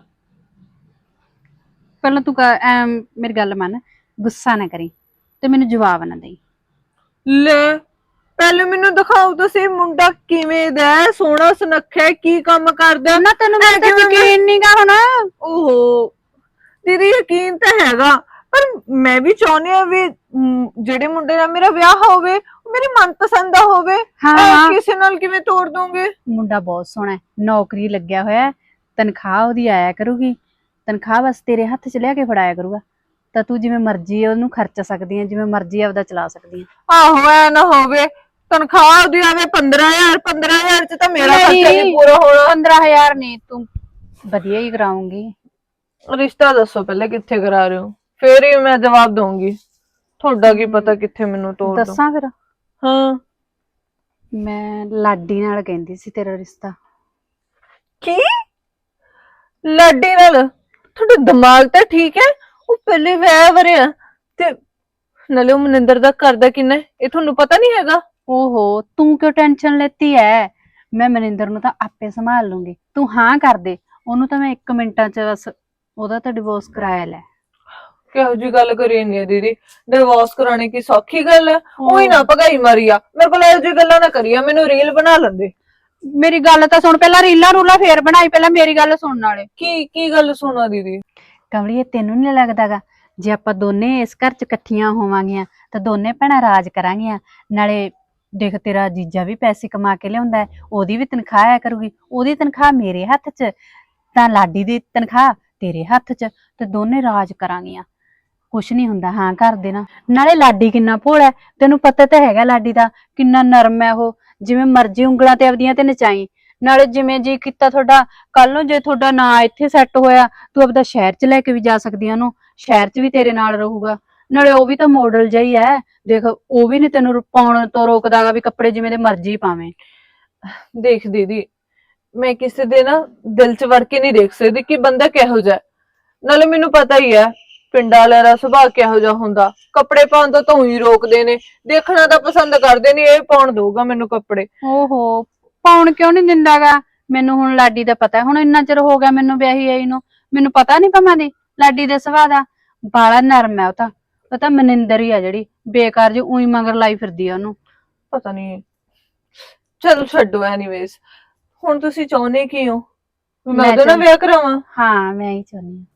[SPEAKER 2] ਪਹਿਲਾਂ ਤੂੰ ਮੇਰੀ ਗੱਲ ਮੰਨ, ਗੁੱਸਾ ਨਾ ਕਰੀ ਤੇ ਮੈਨੂੰ ਜਵਾਬ ਨਾ ਦੇਈ।
[SPEAKER 1] ਲੈ ਪਹਿਲੇ ਮੈਨੂੰ ਦਿਖਾਓ ਤੁਸੀਂ, ਮੁੰਡਾ ਕਿਵੇਂ ਦਾ ਹੈ, ਸੋਹਣਾ ਸੁਨੱਖਾ ਹੈ, ਕੀ ਕੰਮ ਕਰਦਾ?
[SPEAKER 2] ਨਾ ਤੈਨੂੰ ਮੇਰੇ ਤੇ ਯਕੀਨ ਨਹੀਂਗਾ ਹੁਣ।
[SPEAKER 1] ਓਹੋ ਦੀਦੀ ਯਕੀਨ ਤਾਂ ਹੈਗਾ, ਪਰ ਮੈਂ ਵੀ ਚਾਹੁੰਦੀ ਆ ਵੀ ਜਿਹੜੇ ਮੁੰਡੇ ਨਾਲ ਮੇਰਾ ਵਿਆਹ ਹੋਵੇ ਉਹ ਮੇਰੀ ਮਨਪਸੰਦ ਦਾ ਹੋਵੇ।
[SPEAKER 2] ਹਾਂ
[SPEAKER 1] ਕਿਸੇ ਨਾਲ ਕਿਵੇਂ ਤੋੜ ਦੋਗੇ?
[SPEAKER 2] ਮੁੰਡਾ ਬਹੁਤ ਸੋਹਣਾ ਹੈ, ਨੌਕਰੀ ਲੱਗਿਆ ਹੋਇਆ ਹੈ, ਤਨਖਾਹ ਉਹਦੀ ਆਇਆ ਕਰੂਗੀ, ਤਨਖਾਹ ਬਸ ਤੇਰੇ ਹੱਥ 'ਚ ਲਿਆ ਕੇ ਫੜਾਇਆ ਕਰੂਗਾ, ਤਾਂ ਤੂੰ ਜਿਵੇਂ ਮਰਜ਼ੀ ਉਹਨੂੰ ਖਰਚ ਸਕਦੀ ਹੈ, ਜਿਵੇਂ ਮਰਜ਼ੀ ਆਪਦਾ ਚਲਾ ਸਕਦੀ ਹੈ।
[SPEAKER 1] ਆਹੋ ਐ ਨਾ ਹੋਵੇ ਤਨਖਾਹ ਉਹਦੀ ਆਵੇ 15,000, 15,000 ਚ ਤਾਂ ਮੇਰਾ ਖਰਚਾ ਨਹੀਂ ਪੂਰਾ ਹੋਣਾ।
[SPEAKER 2] 15,000 ਨਹੀਂ, ਤੂੰ ਵਧੀਆ ਹੀ ਕਰਾਉਂਗੀ।
[SPEAKER 1] ਰਿਸ਼ਤਾ ਦੱਸੋ ਪਹਿਲੇ ਕਿੱਥੇ ਕਰਾ ਰਹੇ ਹੋ, ਫੇਰ ਹੀ ਮੈਂ ਜਵਾਬ ਦਊਂਗੀ। ਤੁਹਾਡਾ ਕੀ ਪਤਾ ਕਿੱਥੇ ਮੈਨੂੰ ਤੋੜ ਦੋ।
[SPEAKER 2] ਦੱਸਾਂ ਫਿਰ?
[SPEAKER 1] ਹਾਂ
[SPEAKER 2] ਮੈਂ ਲਾਡੀ ਨਾਲ ਕਹਿੰਦੀ ਸੀ ਤੇਰਾ ਰਿਸ਼ਤਾ।
[SPEAKER 1] ਕੀ? ਲਾਡੀ ਨਾਲ? ਤੁਹਾਡਾ ਦਿਮਾਗ ਤਾਂ ਠੀਕ ਹੈ? ਉਹ ਪਹਿਲੇ ਵਿਆਹ ਵਰਿਆ ਤੇ ਨਾਲੇ ਉਹ ਮਨਿੰਦਰ ਦਾ ਕਰਦਾ ਕਿੰਨਾ ਇਹ ਤੁਹਾਨੂੰ ਪਤਾ ਨਹੀਂ ਹੈਗਾ?
[SPEAKER 2] ਓਹੋ ਤੂੰ ਕਿਉਂ ਟੈਨਸ਼ਨ ਲੈਤੀ ਐ, ਮੈਂ ਮਨਿੰਦਰ ਨੂੰ ਤਾਂ ਆਪੇ ਸੰਭਾਲ ਲੂੰਗੀ, ਤੂੰ ਹਾਂ ਕਰ ਦੇ, ਉਹਨੂੰ ਤਾਂ ਮੈਂ 1 ਮਿੰਟਾਂ ਚ ਬਸ ਉਹਦਾ ਤਾਂ ਡਿਵੋਰਸ ਕਰਾਇਆ ਲੈ।
[SPEAKER 1] ਕਿਹੋ ਜੀ ਗੱਲ ਕਰੀ ਨਹੀਂ ਦੀਦੀ, ਡਿਵੋਰਸ ਕਰਾਣੇ ਕੀ ਸੌਖੀ ਗੱਲ ਹੈ? ਉਹੀ ਨਾ ਭਗਾਈ ਮਾਰੀ ਆ ਮੇਰੇ ਕੋਲ, ਇਹੋ ਜੀ ਗੱਲਾਂ ਨਾ ਕਰੀਆ, ਮੈਨੂੰ ਰੀਲ ਬਣਾ ਲੈਂਦੇ।
[SPEAKER 2] ਮੇਰੀ ਗੱਲ ਤਾਂ ਸੁਣ, ਪਹਿਲਾਂ ਰੀਲਾਂ ਰੂਲਾਂ ਫੇਰ ਬਣਾਈ, ਪਹਿਲਾਂ ਮੇਰੀ ਗੱਲ ਸੁਣਨ ਵਾਲੇ।
[SPEAKER 1] ਕੀ ਗੱਲ ਸੁਣਾ ਦੀਦੀ?
[SPEAKER 2] ਕਮਲੀਏ ਤੈਨੂੰ ਨੀ ਲੱਗਦਾਗਾ ਜੇ ਆਪਾਂ ਦੋਨੇ ਇਸ ਘਰ 'ਚ ਇਕੱਠੀਆਂ ਹੋਵਾਂਗੀਆਂ ਤਾਂ ਦੋਨੇ ਭੈਣਾਂ ਰਾਜ ਕਰਾਂਗੀਆਂ। ਨਾਲੇ ਦੇਖ ਤੇਰਾ ਜੀਜਾ ਵੀ ਪੈਸੇ ਕਮਾ ਕੇ ਲਿਆਉਂਦਾ ਹੈ, ਉਹਦੀ ਵੀ ਤਨਖਾਹ ਆਇਆ ਕਰੂਗੀ, ਉਹਦੀ ਤਨਖਾਹ ਮੇਰੇ ਹੱਥ 'ਚ ਤਾਂ ਲਾਡੀ ਦੀ ਤਨਖਾਹ ਤੇਰੇ ਹੱਥ 'ਚ, ਤੇ ਦੋਨੇ ਰਾਜ ਕਰਾਂਗੀਆਂ। ਕੁਛ ਨਹੀਂ ਹੁੰਦਾ ਹਾਂ ਕਰ ਦੇਣਾ। ਨਾਲੇ ਲਾਡੀ ਕਿੰਨਾ ਭੋਲਾ ਹੈ, ਤੈਨੂੰ ਪਤਾ ਤਾਂ ਹੈਗਾ ਲਾਡੀ ਦਾ ਕਿੰਨਾ ਨਰਮ ਹੈ ਉਹ, ਜਿਵੇਂ ਮਰਜ਼ੀ ਉਂਗਲਾਂ ਤੇ ਆਪਦੀਆਂ ਤੇ ਨਚਾਈ। ਨਾਲੇ ਜਿਵੇਂ ਜੀ ਕੀਤਾ ਤੁਹਾਡਾ, ਕੱਲ ਨੂੰ ਜੇ ਤੁਹਾਡਾ ਨਾਂ ਇੱਥੇ ਸੈੱਟ ਹੋਇਆ ਤੂੰ ਆਪਦਾ ਸ਼ਹਿਰ 'ਚ ਲੈ ਕੇ ਵੀ ਜਾ ਸਕਦੀ ਆ ਉਹਨੂੰ, ਸ਼ਹਿਰ 'ਚ ਵੀ ਤੇਰੇ ਨਾਲ ਰਹੂਗਾ। ਨਾਲੇ ਉਹ ਵੀ ਤਾਂ ਮਾਡਲ ਜਿਹਾ ਹੀ ਹੈ, ਦੇਖ ਉਹ ਵੀ ਨੀ ਤੈਨੂੰ ਪਾਉਣ ਤੋਂ ਰੋਕਦਾਗਾ ਵੀ ਕੱਪੜੇ ਜਿਵੇਂ ਦੇ ਮਰਜ਼ੀ ਪਾਵੇਂ।
[SPEAKER 1] ਦੇਖ ਦੀਦੀ, ਮੈਂ ਕਿਸੇ ਦੇ ਨਾ ਦਿਲ 'ਚ ਵੜ ਕੇ ਨਹੀਂ ਦੇਖ ਸਕਦੀ ਕਿ ਬੰਦਾ ਕਿਹੋ ਜਿਹਾ। ਨਾਲੇ ਮੈਨੂੰ ਪਤਾ ਹੀ ਹੈ ਪਿੰਡਾਂ ਵਾਲਿਆਂ ਦਾ ਸੁਭਾਅ ਕਿਹੋ ਜਿਹਾ ਹੁੰਦਾ, ਕੱਪੜੇ ਪਾਉਣ ਤੋਂ ਤਾਂ ਹੀ ਰੋਕਦੇ ਨੇ, ਦੇਖਣਾ ਤਾਂ ਪਸੰਦ ਕਰਦੇ ਨਹੀਂ, ਇਹ ਪਾਉਣ ਦਊਗਾ ਮੈਨੂੰ ਕੱਪੜੇ।
[SPEAKER 2] ਓਹੋ, ਪਾਉਣ ਕਿਉਂ ਨਹੀਂ ਦਿੰਦਾਗਾ? ਮੈਨੂੰ ਹੁਣ ਲਾਡੀ ਦਾ ਪਤਾ, ਹੁਣ ਇੰਨਾ ਚਿਰ ਹੋ ਗਿਆ ਮੈਨੂੰ ਵਿਆਹੀ ਆਈ ਨੂੰ, ਮੈਨੂੰ ਪਤਾ ਨਹੀਂ ਭਾਵੇਂ ਦੀ ਲਾਡੀ ਦੇ ਸੁਭਾਅ ਦਾ। ਬਾਲਾ ਨਰਮ ਹੈ ਉਹ ਤਾਂ ਮਨਿੰਦਰ ਹੀ ਆ ਜਿਹੜੀ ਬੇਕਾਰ ਜੀ ਉਹੀ ਮਗਰ ਲਾਈ ਫਿਰਦੀ ਆ ਉਹਨੂੰ।
[SPEAKER 1] ਪਤਾ ਨਹੀਂ, ਚਲੋ ਛੱਡੋ। ਐਨੀਵੇਜ਼, ਹੁਣ ਤੁਸੀਂ ਚਾਹੁੰਦੇ ਕੀ ਹੋ? ਮੈਂ ਉਹਦੇ ਨਾਲ ਵਿਆਹ ਕਰਾਵਾਂ?
[SPEAKER 2] ਹਾਂ ਮੈਂ ਹੀ ਚਾਹੁੰਦੀ ਹਾਂ।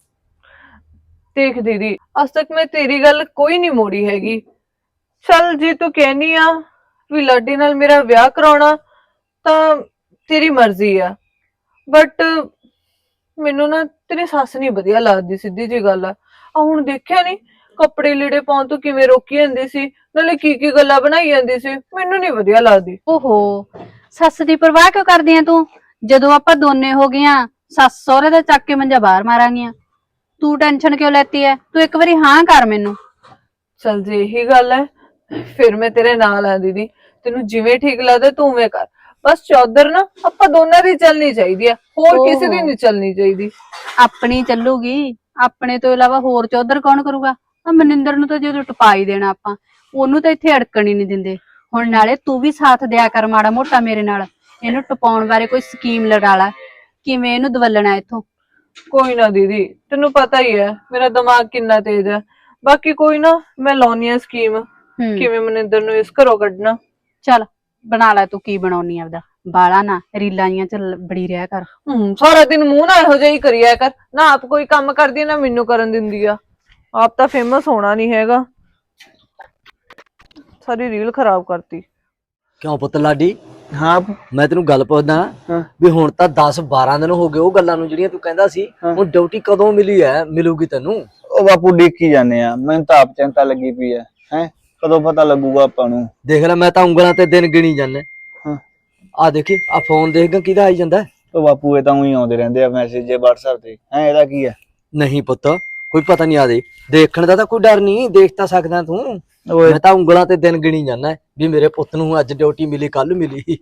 [SPEAKER 1] ਦੇਖ ਦੀਦੀ, ਅੱਜ ਤੱਕ ਮੈਂ ਤੇਰੀ ਗੱਲ ਕੋਈ ਨਹੀਂ ਮੋੜੀ ਹੈਗੀ। ਚੱਲ ਜੇ ਤੂੰ ਕਹਿਨੀ ਆ ਵੀ ਲਾਡੀ ਨਾਲ ਮੇਰਾ ਵਿਆਹ ਕਰਾਉਣਾ ਤਾਂ ਤੇਰੀ ਮਰਜ਼ੀ ਆ, ਬਟ ਮੈਨੂੰ ਨਾ ਤੇਰੀ ਸੱਸ ਨਹੀਂ ਵਧੀਆ ਲੱਗਦੀ, ਸਿੱਧੀ ਜੀ ਗੱਲ ਆ। ਹੁਣ ਦੇਖਿਆ ਨੀ ਕੱਪੜੇ ਲੀੜੇ ਪਾਉਣ ਤੋਂ ਕਿਵੇਂ ਰੋਕੀ ਜਾਂਦੀ ਸੀ, ਨਾਲੇ ਕੀ ਗੱਲਾਂ ਬਣਾਈ ਜਾਂਦੀ ਸੀ, ਮੈਨੂੰ ਨਹੀਂ ਵਧੀਆ ਲੱਗਦੀ।
[SPEAKER 2] ਓਹੋ, ਸੱਸ ਦੀ ਪਰਵਾਹ ਕਿਉਂ ਕਰਦੀ ਆ ਤੂੰ? ਜਦੋਂ ਆਪਾਂ ਦੋਨੇ ਹੋ ਗਈਆਂ, ਸੱਸ ਸਹੁਰੇ ਦਾ ਚੱਕ ਕੇ ਮੰਜਾ ਬਾਹਰ ਮਾਰਾਂਗੀਆਂ। ਤੂੰ ਟੈਨਸ਼ਨ ਕਿਉਂ ਲੈਤੀ ਐ? ਤੂੰ ਇੱਕ ਵਾਰੀ ਹਾਂ ਕਰ ਮੈਨੂੰ।
[SPEAKER 1] ਚਲ ਜੇ ਇਹੀ ਗੱਲ ਹੈ ਫਿਰ ਮੈਂ ਤੇਰੇ ਨਾਲ ਆ ਦੀਦੀ, ਤੈਨੂੰ ਜਿਵੇਂ ਠੀਕ ਲੱਗਦਾ ਤੂੰ ਉਵੇਂ ਕਰ। ਬਸ ਚੌਧਰ ਨਾ ਆਪਾਂ ਦੋਨਾਂ ਦੀ ਚੱਲਣੀ ਚਾਹੀਦੀ ਆ, ਹੋਰ ਕਿਸੇ ਦੀ ਨਹੀਂ ਚੱਲਣੀ ਚਾਹੀਦੀ।
[SPEAKER 2] ਆਪਣੀ ਚੱਲੂਗੀ, ਆਪਣੇ ਤੋਂ ਇਲਾਵਾ ਹੋਰ ਚੌਧਰ ਕੌਣ ਕਰੂਗਾ? ਆ ਮਨਿੰਦਰ ਨੂੰ ਤਾਂ ਜਦੋਂ ਟਪਾ ਹੀ ਦੇਣਾ ਆਪਾਂ, ਉਹਨੂੰ ਤਾਂ ਇੱਥੇ ਅੜਕਣ ਹੀ ਨਹੀਂ ਦਿੰਦੇ। ਹੁਣ ਨਾਲੇ ਤੂੰ ਵੀ ਸਾਥ ਦਿਆ ਕਰ ਮਾੜਾ ਮੋਟਾ ਮੇਰੇ ਨਾਲ, ਇਹਨੂੰ ਟਪਾਉਣ ਬਾਰੇ ਕੋਈ ਸਕੀਮ ਲਗਾ ਲਾ, ਕਿਵੇਂ ਇਹਨੂੰ ਦਵਲਣਾ ਇੱਥੋਂ।
[SPEAKER 1] ਕੋਈ ਨਾ ਦੀਦੀ, ਤੈਨੂੰ ਪਤਾ ਹੀ ਹੈ ਮੇਰਾ ਦਿਮਾਗ ਕਿੰਨਾ ਤੇਜ਼ ਹੈ। ਬਾਕੀ ਕੋਈ ਨਾ, ਮੈਂ ਲਾਉਣੀ ਆ ਸਕੀਮ ਕਿਵੇਂ ਮਨਿੰਦਰ ਨੂੰ ਇਸ ਘਰੋਂ ਕੱਢਣਾ।
[SPEAKER 2] ਚੱਲ ਬਣਾ ਲੈ ਤੂੰ ਕੀ ਬਣਾਉਣੀ ਆਪਦਾ, ਬਾਲਾ ਨਾ ਰੀਲਾਂ ਜੀਆਂ ਚ ਬੜੀ ਰਿਹਾ ਕਰ।
[SPEAKER 1] ਸਾਰਾ ਦਿਨ ਮੂੰਹ ਨਾ ਇਹੋ ਜਿਹਾ ਹੀ ਕਰਿਆ ਕਰ, ਨਾ ਆਪ ਕੋਈ ਕੰਮ ਕਰਦੀ ਨਾ ਮੈਨੂੰ ਕਰਨ ਦਿੰਦੀ ਆ। ਆਪ ਤਾਂ ਫੇਮਸ ਹੋਣਾ ਨਹੀਂ ਹੈਗਾ, ਸਾਰੀ ਰੀਲ ਖਰਾਬ ਕਰਤੀ।
[SPEAKER 5] ਕਿਉਂ ਪੁੱਤ ਲਾਡੀ?
[SPEAKER 3] ਹਾਂ
[SPEAKER 5] ਮੈਂ ਤੈਨੂੰ ਗੱਲ ਪੁੱਛਦਾ ਵੀ ਹੁਣ ਤਾਂ 10-12 ਦਿਨ ਹੋ ਗਏ ਉਹ ਗੱਲਾਂ ਨੂੰ ਜਿਹੜੀਆਂ ਤੂੰ ਕਹਿੰਦਾ ਸੀ, ਹੁਣ ਡਿਊਟੀ ਕਦੋਂ ਮਿਲੂਗੀ ਤੈਨੂੰ?
[SPEAKER 3] ਉਹ ਬਾਪੂ ਡਿੱਕੀ ਜਾਂਦੇ ਆ, ਮੈਨੂੰ ਤਾਂ ਆਪ ਚਿੰਤਾ ਲੱਗੀ ਪਈ ਹੈ ਕਦੋਂ ਪਤਾ ਲੱਗੂਗਾ ਆਪਾਂ ਨੂੰ।
[SPEAKER 5] ਦੇਖ ਲੈ ਮੈਂ ਤਾਂ ਉਂਗਲਾਂ ਤੇ ਦਿਨ ਗਿਣੀ ਜਾਂਦਾ। ਆ ਦੇਖੀ ਆ ਫੋਨ ਦੇਖਗਾ ਕਿਹਦਾ ਆਈ ਜਾਂਦਾ।
[SPEAKER 3] ਉਹ ਬਾਪੂ ਇਹ ਤਾਂ ਉਹੀ ਆਉਂਦੇ ਰਹਿੰਦੇ ਆ ਮੈਸੇਜ ਜੇ WhatsApp ਤੇ, ਇਹਦਾ ਕੀ ਹੈ?
[SPEAKER 5] ਨਹੀਂ ਪੁੱਤ ਕੋਈ ਪਤਾ ਨਹੀਂ, ਆ ਦੇ ਦੇਖਣ ਦਾ ਤਾਂ ਕੋਈ ਡਰ ਨਹੀਂ, ਦੇਖ ਤਾਂ ਸਕਦਾ ਤੂੰ। ਮੈਂ ਤਾਂ ਉਂਗਲਾਂ ਤੇ ਦਿਨ ਗਿਣੀ ਜਾਂਦਾ ਵੀ ਮੇਰੇ ਪੁੱਤ ਨੂੰ ਅੱਜ ਡਿਊਟੀ ਮਿਲੀ, ਕੱਲ ਮਿਲੀ।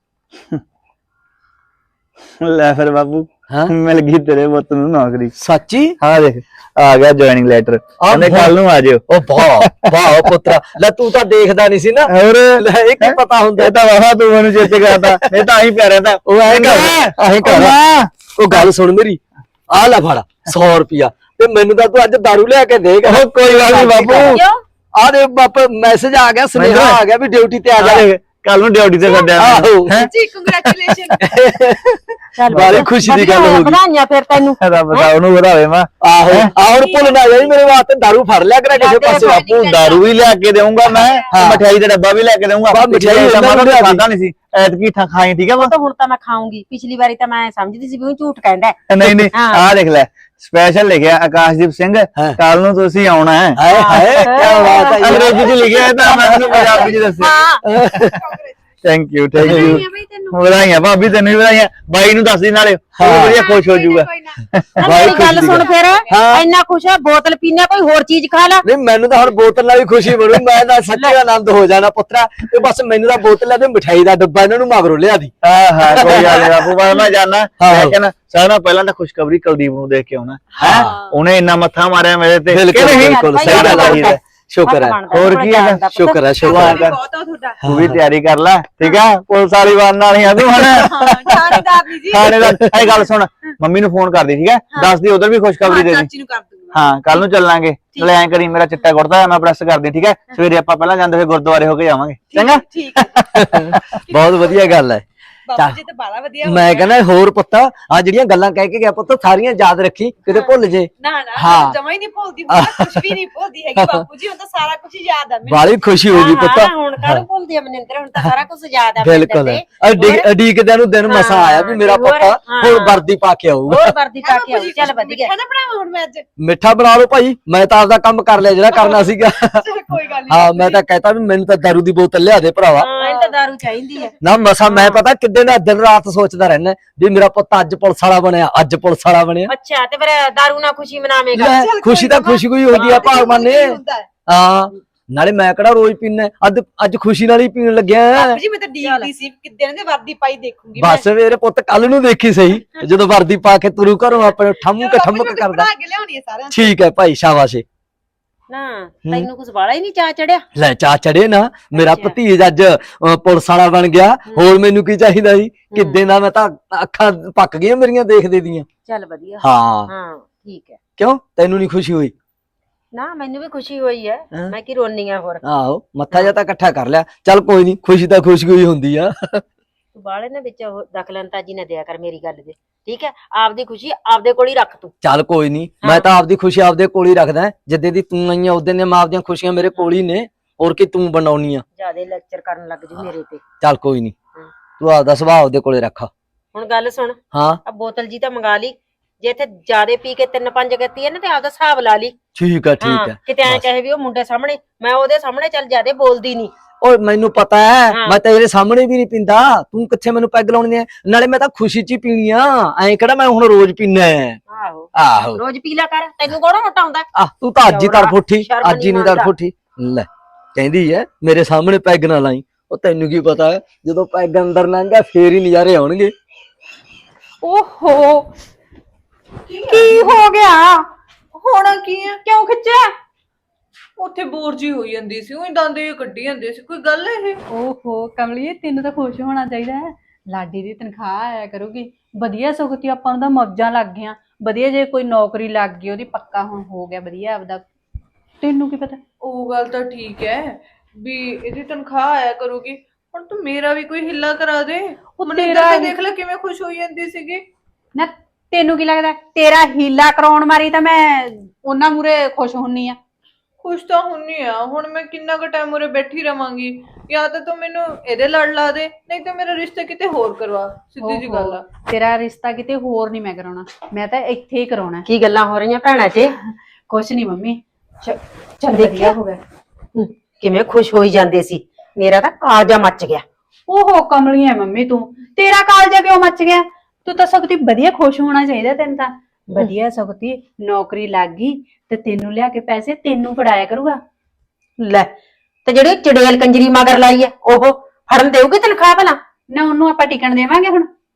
[SPEAKER 3] ਲੈ ਫਿਰ ਬਾਪੂ ਮਿਲ ਗਈ ਤੇਰੇ ਪੁੱਤ ਨੂੰ ਨੌਕਰੀ।
[SPEAKER 5] ਸੱਚੀ?
[SPEAKER 3] ਹਾਂ ਦੇਖ ਆ ਗਿਆ ਜੁਆਇਨਿੰਗ ਲੈਟਰ, ਕਹਿੰਦੇ ਕੱਲ ਨੂੰ ਆ ਜਿਓ।
[SPEAKER 5] ਉਹ ਵਾਹ ਪੁੱਤਰਾ, ਲੈ ਤੂੰ ਤਾਂ ਦੇਖਦਾ ਨਹੀਂ ਸੀ ਨਾ,
[SPEAKER 3] ਹੋਰ
[SPEAKER 5] ਇਹ ਕੀ ਪਤਾ ਹੁੰਦਾ।
[SPEAKER 3] ਇਹ ਤਾਂ ਵਾਹ ਤੂੰ ਮੈਨੂੰ ਚੇਤੇ ਕਰਦਾ, ਇਹ ਤਾਂ ਆਹੀ ਪਿਆਰਿਆ ਤਾਂ ਉਹ ਆਹੀ ਕਰ।
[SPEAKER 5] ਉਹ ਗੱਲ ਸੁਣ ਮੇਰੀ, ਆ ਲੈ ਫੜ 100 ਰੁਪਿਆ ਤੇ ਮੈਨੂੰ ਤਾਂ ਤੂੰ ਅੱਜ ਦਾਰੂ ਲਿਆ ਕੇ ਦੇਗਾ।
[SPEAKER 3] ਕੋਈ ਗੱਲ ਨਹੀਂ ਬਾਪੂ,
[SPEAKER 5] ਆ ਦੇ ਬਾਪ ਮੈਸੇਜ ਆ ਗਿਆ, ਸੁਨੇਹਾ ਆ ਗਿਆ ਵੀ ਡਿਊਟੀ ਤੇ ਆ ਜਾ,
[SPEAKER 3] ਕੱਲ ਨੂੰ ਡਿਊਟੀ ਤੇ ਕੱਢਿਆ।
[SPEAKER 5] ਆਹੋ
[SPEAKER 1] ਜੀ ਕੰਗ੍ਰੈਚੁਲੇਸ਼ਨ।
[SPEAKER 5] ਬਾਰੇ ਖੁਸ਼ੀ ਦੀ ਗੱਲ ਹੋ ਗਈ।
[SPEAKER 4] ਵਧਾਈਆਂ ਫਿਰ ਤੈਨੂੰ।
[SPEAKER 3] ਰੱਬ ਦਾ ਉਹਨੂੰ ਵਧਾਵੇ ਮਾਂ।
[SPEAKER 5] ਆਹੋ ਆ ਹੁਣ ਭੁੱਲ ਨਾ ਜਾਈ ਮੇਰੇ ਵਾਸਤੇ ਦਾਰੂ ਫੜ ਲਿਆ ਕਰਾ ਕਿਸੇ ਪਾਸੇ।
[SPEAKER 3] ਬਾਪੂ ਦਾਰੂ ਵੀ ਲਿਆ ਕੇ ਦੇਊਂਗਾ ਮੈਂ, ਮਠਿਆਈ ਦਾ ਡੱਬਾ ਵੀ ਲੈ ਕੇ ਦੇਊਂਗਾ।
[SPEAKER 5] ਮਠਿਆਈ
[SPEAKER 3] ਖਾਦਾ ਨਹੀਂ ਸੀ, ਐਤਕੀ ਖਾਈ ਠੀਕ ਹੈ ਵਾ।
[SPEAKER 4] ਹੁਣ ਤਾਂ ਮੈਂ ਖਾਉਂਗੀ, ਪਿਛਲੀ ਵਾਰੀ ਤਾਂ ਮੈਂ ਸਮਝਦੀ ਸੀ ਵੀ ਉਹ ਝੂਠ ਕਹਿੰਦਾ।
[SPEAKER 3] ਨਹੀਂ ਆਹ ਦੇਖ ਲੈ ਸਪੈਸ਼ਲ ਲਿਖਿਆ ਆਕਾਸ਼ਦੀਪ ਸਿੰਘ, ਕੱਲ ਨੂੰ ਤੁਸੀਂ ਆਉਣਾ ਹੈ।
[SPEAKER 5] ਹਾਏ ਹਾਏ ਕੀ ਬਾਤ ਹੈ।
[SPEAKER 3] ਅੰਗਰੇਜ਼ੀ ਚ ਲਿਖਿਆ ਤਾਂ ਮੈਂ ਤੁਹਾਨੂੰ ਪੰਜਾਬੀ ਚ ਦੱਸਿਆ। ਥੈਂਕ ਯੂ ਵਧਾਈਆਂ ਭਾਬੀ, ਤੈਨੂੰ ਵੀ ਵਧਾਈਆਂ। ਬਾਈ ਨੂੰ ਦੱਸ ਦੀ ਨਾਲੇ, ਵਧੀਆ ਖੁਸ਼ ਹੋ ਜਾਊਗਾ।
[SPEAKER 4] ਮੇਰੀ ਗੱਲ ਸੁਣ ਫਿਰ, ਇੰਨਾ ਖੁਸ਼ ਹੈ ਬੋਤਲ ਪੀਣਾ, ਕੋਈ ਹੋਰ ਚੀਜ਼ ਖਾ ਲੈ।
[SPEAKER 5] ਨਹੀਂ ਮੈਨੂੰ ਤਾਂ ਹੁਣ ਬੋਤਲ ਨਾਲ ਵੀ ਖੁਸ਼ੀ ਬਣੂ, ਮੈਂ ਤਾਂ ਸੱਚੀ ਆਨੰਦ ਹੋ ਜਾਣਾ ਪੁੱਤਰਾ। ਤੇ ਬਸ ਮੈਨੂੰ ਤਾਂ ਬੋਤਲ ਲੈ ਤੇ ਮਠਿਆਈ ਦਾ ਡੱਬਾ ਇਹਨਾਂ ਨੂੰ ਮਗਰੋਂ ਲਿਆ ਦੀ।
[SPEAKER 3] ਹਾਂ ਕੋਈ ਗੱਲ ਨੀ ਬਾਪੂ, ਮੈਂ ਜਾਣਾ। ਮੈਂ ਕਹਿੰਦਾ ਸਾਰਿਆਂ ਨਾਲੋਂ ਪਹਿਲਾਂ ਤਾਂ ਖੁਸ਼ਖਬਰੀ ਕੁਲਦੀਪ ਨੂੰ ਦੇਖ ਕੇ ਆਉਣਾ। ਉਹਨੇ ਇੰਨਾ ਮੱਥਾ ਮਾਰਿਆ ਮੇਰੇ ਤੇ।
[SPEAKER 5] ਬਿਲਕੁਲ ਸਹੀ ਗੱਲ ਹੈ, ਸ਼ੁਕਰ ਹੈ।
[SPEAKER 3] ਹੋਰ ਕੀ ਹੈ,
[SPEAKER 5] ਸ਼ੁਕਰ ਹੈ ਸ਼ੁਕਰ ਹੈ।
[SPEAKER 3] ਤੂੰ ਵੀ ਤਿਆਰੀ ਕਰ ਲੈ ਠੀਕ ਆ, ਪੁਲਿਸ ਵਾਲੀ ਬਣ ਵਾਲੀ ਆ ਤੂੰ ਹੁਣ। ਥਾਣੇਦਾਰ ਇਹ ਗੱਲ ਸੁਣ, ਮੰਮੀ ਨੂੰ ਫੋਨ ਕਰਦੀ ਠੀਕ ਹੈ, ਦੱਸਦੀ ਉਧਰ ਵੀ ਖੁਸ਼ਖਬਰੀ ਦੇ ਦੀ।
[SPEAKER 6] ਹਾਂ ਕੱਲ ਨੂੰ ਚੱਲਾਂਗੇ। ਨਾਲੇ ਐਂ ਕਰੀ ਮੇਰਾ ਚਿੱਟਾ ਕੁੜਤਾ ਮੈਂ ਪ੍ਰੈਸ ਕਰਦੀ ਠੀਕ ਹੈ। ਸਵੇਰੇ ਆਪਾਂ ਪਹਿਲਾਂ ਜਾਂਦੇ ਹੋਏ ਗੁਰਦੁਆਰੇ ਹੋ ਕੇ ਜਾਵਾਂਗੇ ਚੰਗਾ।
[SPEAKER 7] ਠੀਕ ਹੈ
[SPEAKER 5] ਬਹੁਤ ਵਧੀਆ ਗੱਲ ਹੈ।
[SPEAKER 7] ਬਾਪੂ ਜੀ ਤਾਂ ਬਾਲਾ ਵਧੀਆ ਹੋ
[SPEAKER 5] ਮੈਂ
[SPEAKER 7] ਗਿਆ।
[SPEAKER 5] ਕਹਿੰਦਾ ਹੋਰ ਪੁੱਤ ਆ ਜਿਹੜੀਆਂ ਗੱਲਾਂ ਕਹਿ ਕੇ ਗਿਆ ਪੁੱਤ ਸਾਰੀਆਂ ਯਾਦ ਰੱਖੀ ਕਿਤੇ ਭੁੱਲ ਜੇ।
[SPEAKER 7] ਨਾ
[SPEAKER 5] ਹਾਂ।
[SPEAKER 7] ਜਮਾ ਹੀ ਨਹੀਂ ਭੁੱਲਦੀ ਹੁਣ ਕੁਝ ਵੀ ਨਹੀਂ ਭੁੱਲਦੀ ਹੈਗੀ ਬਾਪੂ ਜੀ ਹੁਣ ਤਾਂ ਸਾਰਾ ਕੁਝ ਯਾਦ ਆ ਮੈਨੂੰ।
[SPEAKER 5] ਬਾਲੀ ਖੁਸ਼ੀ ਹੋ ਗਈ ਪੁੱਤ।
[SPEAKER 4] ਹੁਣ ਕਾਹਨੂੰ ਭੁੱਲਦੀ ਆ ਮਨਿੰਦਰ, ਹੁਣ ਤਾਂ ਸਾਰਾ ਕੁਝ ਯਾਦ ਆ
[SPEAKER 5] ਬਿਲਕੁਲ ਅਡੀਕਦਿਆਂ ਨੂੰ ਦਿਨ ਮਸਾ ਆਇਆ ਵੀ ਮੇਰਾ ਪੁੱਤ ਹੁਣ ਵਰਦੀ ਪਾ ਕੇ ਆਊਗਾ।
[SPEAKER 4] ਹੋਰ ਵਰਦੀ ਪਾ ਕੇ ਆਉ। ਚੱਲ ਵਧੀਆ।
[SPEAKER 7] ਮਿੱਠਾ ਨਾ ਬਣਾਵਾਂ ਹੁਣ ਮੈਂ ਅੱਜ।
[SPEAKER 5] ਮਿੱਠਾ ਬਣਾ ਲਓ ਭਾਈ, ਮੈਂ ਤਾਂ ਆਪਦਾ ਕੰਮ ਕਰ ਲਿਆ ਜਿਹੜਾ ਕਰਨਾ ਸੀਗਾ।
[SPEAKER 7] ਕੋਈ ਗੱਲ ਨਹੀਂ।
[SPEAKER 5] ਹਾਂ ਮੈਂ ਤਾਂ ਕਹਿਤਾ ਵੀ ਮੈਨੂੰ ਤਾਂ ਦਾਰੂ ਦੀ ਬੋਤਲ ਲਿਆ ਦੇ ਭਰਾਵਾ।
[SPEAKER 4] ਮੈਨੂੰ ਤਾਂ ਦਾਰੂ ਚਾਹੀਦੀ ਹੈ।
[SPEAKER 5] ਨਾ ਮਸਾ ਮੈਂ ਪਤਾ ਕਿੱਦੇ ਦਾ ਦਿਨ ਰਾਤ ਸੋਚਦਾ ਰਹਿਣਾ ਵੀ ਮੇਰਾ ਪੁੱਤ ਅੱਜ ਪੁਲਿਸ ਵਾਲਾ ਬਣਿਆ, ਅੱਜ ਪੁਲਿਸ ਵਾਲਾ ਬਣਿਆ।
[SPEAKER 4] ਅੱਛਾ ਤੇ ਫਿਰ ਦਾਰੂ ਨਾਲ ਖੁਸ਼ੀ ਮਨਾਵੇਂਗਾ।
[SPEAKER 5] ਲੈ, ਖੁਸ਼ੀ ਤਾਂ ਖੁਸ਼ੀ ਕੋਈ ਹੁੰਦੀ ਆ ਭਗਵਾਨ ਨੇ।
[SPEAKER 7] ਹੁੰਦਾ ਹੈ।
[SPEAKER 5] ਹਾਂ ਨਾਲੇ ਮੈਂ ਕਿਹੜਾ ਰੋਜ਼ ਪੀਣਾ, ਅੱਜ ਖੁਸ਼ੀ ਨਾਲ ਹੀ ਪੀਣ ਲੱਗਿਆ।
[SPEAKER 7] ਬਾਪੂ ਜੀ ਮੈਂ ਤਾਂ ਡੀਕਦੀ ਸੀ ਕਿੱਦਣ ਦੇ ਵਰਦੀ ਪਾਈ ਦੇਖੂੰਗੀ ਮੈਂ।
[SPEAKER 5] ਬਸ ਮੇਰੇ ਪੁੱਤ ਕੱਲ ਨੂੰ ਦੇਖੀ ਸਹੀ ਜਦੋਂ ਵਰਦੀ ਪਾ ਕੇ ਤੁਰੂ ਘਰੋਂ ਆਪਣੇ ਠਮਕ
[SPEAKER 7] ਬਾਪੂ ਜੀ
[SPEAKER 5] ਠਮਕ
[SPEAKER 7] ਮੈਂ
[SPEAKER 5] ਕਰਦਾ।
[SPEAKER 7] ਬਣਾ ਕੇ ਲਿਆਉਣੀ ਹੈ ਸਾਰਿਆਂ ਨੂੰ।
[SPEAKER 5] ਠੀਕ ਹੈ ਭਾਈ ਸ਼ਾਬਾਸ਼।
[SPEAKER 4] ਨਾ ਤੈਨੂੰ ਕੁਝ ਵਾਲਾ ਹੀ ਨਹੀਂ ਚਾਹ ਚੜਿਆ।
[SPEAKER 5] ਲੈ ਚਾ ਚੜੇ ਨਾ ਮੇਰਾ
[SPEAKER 4] ਅੱਛਾ।
[SPEAKER 5] ਭਤੀਜ ਅੱਜ ਪੁਲਿਸ ਵਾਲਾ ਬਣ ਗਿਆ। ਹੋਰ ਮੈਨੂੰ ਕੀ ਚਾਹੀਦਾ ਸੀ? ਕਿੱਦੇ ਦਾ ਮੈਂ ਤਾਂ ਅੱਖਾਂ ਪੱਕ ਗਈਆਂ ਮੇਰੀਆਂ ਦੇਖਦੇ ਦੀਆਂ।
[SPEAKER 4] ਚੱਲ ਵਧੀਆ।
[SPEAKER 5] ਹਾਂ
[SPEAKER 4] ਹਾਂ ਠੀਕ ਹੈ।
[SPEAKER 5] ਕਿਉਂ ਤੈਨੂੰ ਨਹੀਂ ਖੁਸ਼ੀ ਹੋਈ?
[SPEAKER 4] ਨਾ ਮੈਨੂੰ ਵੀ ਖੁਸ਼ੀ ਹੋਈ ਹੈ।
[SPEAKER 5] ਹਾਂ।
[SPEAKER 4] ਮੈਂ ਕੀ ਰੋਨੀ ਆ ਹੋਰ।
[SPEAKER 5] ਆਹੋ ਮੱਥਾ ਜਿਹਾ ਤਾਂ ਇਕੱਠਾ ਕਰ ਲਿਆ। ਚੱਲ ਕੋਈ ਨਹੀਂ, ਖੁਸ਼ੀ ਤਾਂ ਖੁਸ਼ੀ ਹੋਈ ਹੁੰਦੀ ਆ।
[SPEAKER 4] ਤੂੰ ਬਾਲੇ ਨੇ ਵਿੱਚ ਉਹ ਦਖਲਅੰਦਾਜ਼ੀ ਨਾ ਦਿਆ ਕਰ ਮੇਰੀ ਗੱਲ ਦੇ। ਠੀਕ ਹੈ, ਆਪਦੀ ਖੁਸ਼ੀ ਆਪਦੇ ਕੋਲ ਹੀ ਰੱਖ ਤੂੰ।
[SPEAKER 5] ਚੱਲ ਕੋਈ ਨਹੀਂ, ਮੈਂ ਤਾਂ ਆਪਦੀ ਖੁਸ਼ੀ ਆਪਦੇ ਕੋਲ ਹੀ ਰੱਖਦਾ। ਜਿੱਦੇ ਦੀ ਤੂੰ ਆਈ ਆ ਉਦੋਂ ਦੀਆਂ ਮੈਂ ਆਪਦੀਆਂ ਖੁਸ਼ੀਆਂ ਮੇਰੇ ਕੋਲ ਹੀ ਨੇ। ਹੋਰ ਕੀ ਤੂੰ ਬਣਾਉਣੀ ਆ?
[SPEAKER 4] ਜਿਆਦੇ ਲੈਕਚਰ ਕਰਨ ਲੱਗ ਜੂ ਮੇਰੇ ਤੇ।
[SPEAKER 5] ਚੱਲ ਕੋਈ ਨਹੀਂ,
[SPEAKER 4] ਹਾਂ।
[SPEAKER 5] ਤੂੰ ਆਪਦਾ ਸੁਭਾਅ ਉਹਦੇ ਕੋਲੇ ਰੱਖ।
[SPEAKER 4] ਹੁਣ ਗੱਲ ਸੁਣ,
[SPEAKER 5] ਹਾਂ
[SPEAKER 4] ਆ ਬੋਤਲ ਜੀ ਤਾਂ ਮੰਗਾ ਲਈ। ਜੇ ਇੱਥੇ ਜਿਆਦੇ ਪੀ ਕੇ 3-5 ਕੀਤੀ ਹੈ ਨਾ ਤੇ ਆਪਦਾ ਹਿਸਾਬ ਲਾ ਲਈ।
[SPEAKER 5] ਠੀਕ ਹੈ ਠੀਕ ਹੈ।
[SPEAKER 4] ਕਿਤੇ ਐ
[SPEAKER 5] ਬਸ।
[SPEAKER 4] ਕਹੇ ਵੀ ਉਹ ਮੁੰਡੇ ਸਾਹਮਣੇ, ਮੈਂ ਉਹਦੇ ਸਾਹਮਣੇ ਚੱਲ ਜਿਆਦੇ ਬੋਲਦੀ ਨਹੀਂ।
[SPEAKER 5] ਓਏ ਮੈਨੂੰ ਪਤਾ ਹੈ,
[SPEAKER 4] ਹਾਂ।
[SPEAKER 5] ਮੈਂ ਤੇਰੇ ਸਾਹਮਣੇ ਵੀ ਨਹੀਂ ਪੀਂਦਾ। ਤੂੰ ਕਿੱਥੇ ਮੈਨੂੰ ਪੈਗ ਲਾਉਣੀ ਹੈ? ਨਾਲੇ ਮੈਂ ਤਾਂ ਖੁਸ਼ੀ 'ਚ ਹੀ ਪੀਣੀ ਆ। ਐਂ ਕਿਹੜਾ ਮੈਂ ਹੁਣ ਰੋਜ਼ ਪੀਣਾ ਹੈ?
[SPEAKER 4] ਆਹੋ
[SPEAKER 5] ਆਹੋ
[SPEAKER 4] ਰੋਜ਼ ਪੀ ਲਿਆ ਕਰ, ਤੈਨੂੰ ਕੋਣ ਹਟਾਉਂਦਾ।
[SPEAKER 5] ਤੂੰ ਤਾਂ ਅੱਜ ਹੀ ਤੜਫ ਉੱਠੀ,
[SPEAKER 4] ਸ਼ਰਮ
[SPEAKER 5] ਅੱਜ ਹੀ ਨਹੀਂ
[SPEAKER 4] ਨਹੀਂ
[SPEAKER 5] ਤੜਫ ਉੱਠੀ। ਲੈ ਕਹਿੰਦੀ ਹੈ ਮੇਰੇ ਸਾਹਮਣੇ ਪੈਗ ਨਾ ਲਾਈ। ਉਹ ਤੈਨੂੰ ਕੀ ਪਤਾ ਹੈ ਜਦੋਂ ਪੈਗ ਅੰਦਰ ਲੰਘਿਆ ਫੇਰ ਹੀ ਨਜ਼ਾਰੇ ਆਉਣਗੇ।
[SPEAKER 1] ਓਹੋ ਕੀ ਹੋ ਗਿਆ? ਹੋਣਾ ਕੀ ਹੈ? ਕਿਉਂ ਖਿੱਚਿਆ? ਉੱਥੇ ਬੋਰ ਜੀ ਹੋਈ ਜਾਂਦੀ ਸੀ, ਉਹੀ ਦੰਦ ਜਿਹੇ ਕੱਢੀ ਜਾਂਦੇ ਸੀ। ਕੋਈ ਗੱਲ ਹੈ ਇਹ?
[SPEAKER 2] ਓਹੋ ਕਮਲੀਏ ਤੈਨੂੰ ਤਾਂ ਖੁਸ਼ ਹੋਣਾ ਚਾਹੀਦਾ ਹੈ। ਲਾਡੀ ਦੀ ਤਨਖਾਹ ਆਇਆ ਕਰੂਗੀ ਵਧੀਆ। ਸੁਖਤੀ ਆਪਾਂ ਨੂੰ ਤਾਂ ਮੌਜਾਂ ਲੱਗ ਗਈਆਂ ਵਧੀਆ। ਜੇ ਕੋਈ ਨੌਕਰੀ ਲੱਗ ਗਈ ਉਹਦੀ ਪੱਕਾ ਹੁਣ ਹੋ ਗਿਆ ਵਧੀਆ ਆਪਦਾ। ਤੈਨੂੰ ਕੀ ਪਤਾ?
[SPEAKER 1] ਉਹ ਗੱਲ ਤਾਂ ਠੀਕ ਹੈ ਵੀ ਇਹਦੀ ਤਨਖਾਹ ਆਇਆ ਕਰੂਗੀ। ਹੁਣ ਤੂੰ ਮੇਰਾ ਵੀ ਕੋਈ ਹਿੱਲਾ ਕਰਾ ਦੇ। ਮਨਿੰਦਰ
[SPEAKER 2] ਤੇਰਾ
[SPEAKER 1] ਤਾਂ
[SPEAKER 2] ਹੀ-
[SPEAKER 1] ਦੇਖ ਲੈ ਕਿਵੇਂ ਖੁਸ਼ ਹੋਈ ਜਾਂਦੀ ਸੀਗੀ।
[SPEAKER 2] ਨਾ ਤੈਨੂੰ ਕੀ ਲੱਗਦਾ ਤੇਰਾ ਹੀਲਾ ਕਰਾਉਣ ਮਾਰੀ ਤਾਂ ਮੈਂ ਉਹਨਾਂ ਮੂਰੇ ਖੁਸ਼ ਹੁੰਨੀ ਆ?
[SPEAKER 1] ਖੁਸ਼ ਤਾਂ ਹੁੰਨੀ ਆ। ਹੁਣ ਮੈਂ ਕਿੰਨਾ ਕੁ ਟਾਈਮ ਉਰੇ ਬੈਠੀ ਰਵਾਂਗੀ? ਜਾਂ ਤਾਂ ਤੂੰ ਮੈਨੂੰ ਇਹਦੇ ਲੜ ਲਾ ਦੇ, ਨਹੀਂ ਤਾਂ ਮੇਰਾ ਰਿਸ਼ਤਾ ਕਿਤੇ ਹੋਰ ਕਰਵਾ। ਸਿੱਧੀ ਜੀ ਗੱਲ ਆ।
[SPEAKER 2] ਤੇਰਾ ਰਿਸ਼ਤਾ ਕਿਤੇ ਹੋਰ ਨਹੀਂ ਮੈਂ ਕਰਾਉਣਾ, ਮੈਂ ਤਾਂ ਇੱਥੇ ਹੀ ਕਰਾਉਣਾ।
[SPEAKER 4] ਕੀ ਗੱਲਾਂ ਹੋ ਰਹੀਆਂ ਭੈਣਾਂ 'ਚ?
[SPEAKER 2] ਕੁਛ ਨਹੀਂ ਮੰਮੀ। ਚੱਲ
[SPEAKER 4] ਦੇਖਿਆ?
[SPEAKER 2] ਵਧੀਆ ਹੋ ਗਿਆ।
[SPEAKER 4] ਕਿਵੇਂ ਖੁਸ਼ ਹੋਈ ਜਾਂਦੇ ਸੀ। ਮੇਰਾ ਤਾਂ ਕਾਲਜਾ ਮੱਚ ਗਿਆ।
[SPEAKER 2] ਓਹੋ ਕਮਲੀ ਹੈ ਮੰਮੀ ਤੂੰ। ਤੇਰਾ ਕਾਲਜਾ ਕਿਉਂ ਮੱਚ ਗਿਆ? ਤੂੰ ਤਾਂ ਸਗਤੀ ਵਧੀਆ ਖੁਸ਼ ਹੋਣਾ ਚਾਹੀਦਾ ਤੈਨੂੰ ਤਾਂ। ਵਧੀਆ ਸਗਤੀ ਨੌਕਰੀ ਲੱਗ ਗਈ ਤੇ ਤੈਨੂੰ ਲਿਆ ਕੇ ਪੈਸੇ ਤੈਨੂੰ ਫੜਾਇਆ ਕਰੂਗਾ।
[SPEAKER 4] ਲੈ ਤੇ ਜਿਹੜੀ ਚੜੇਲ ਕੰਜਰੀ ਮਗਰ ਲਾਈ ਐ ਉਹ ਫੜਨ ਦੇਊਗੀ ਤਨਖਾਹ ਭਲਾ?
[SPEAKER 2] ਨਾ ਉਹਨੂੰ ਆਪਾਂ ਟਿਕਣ ਦੇਵਾਂਗੇ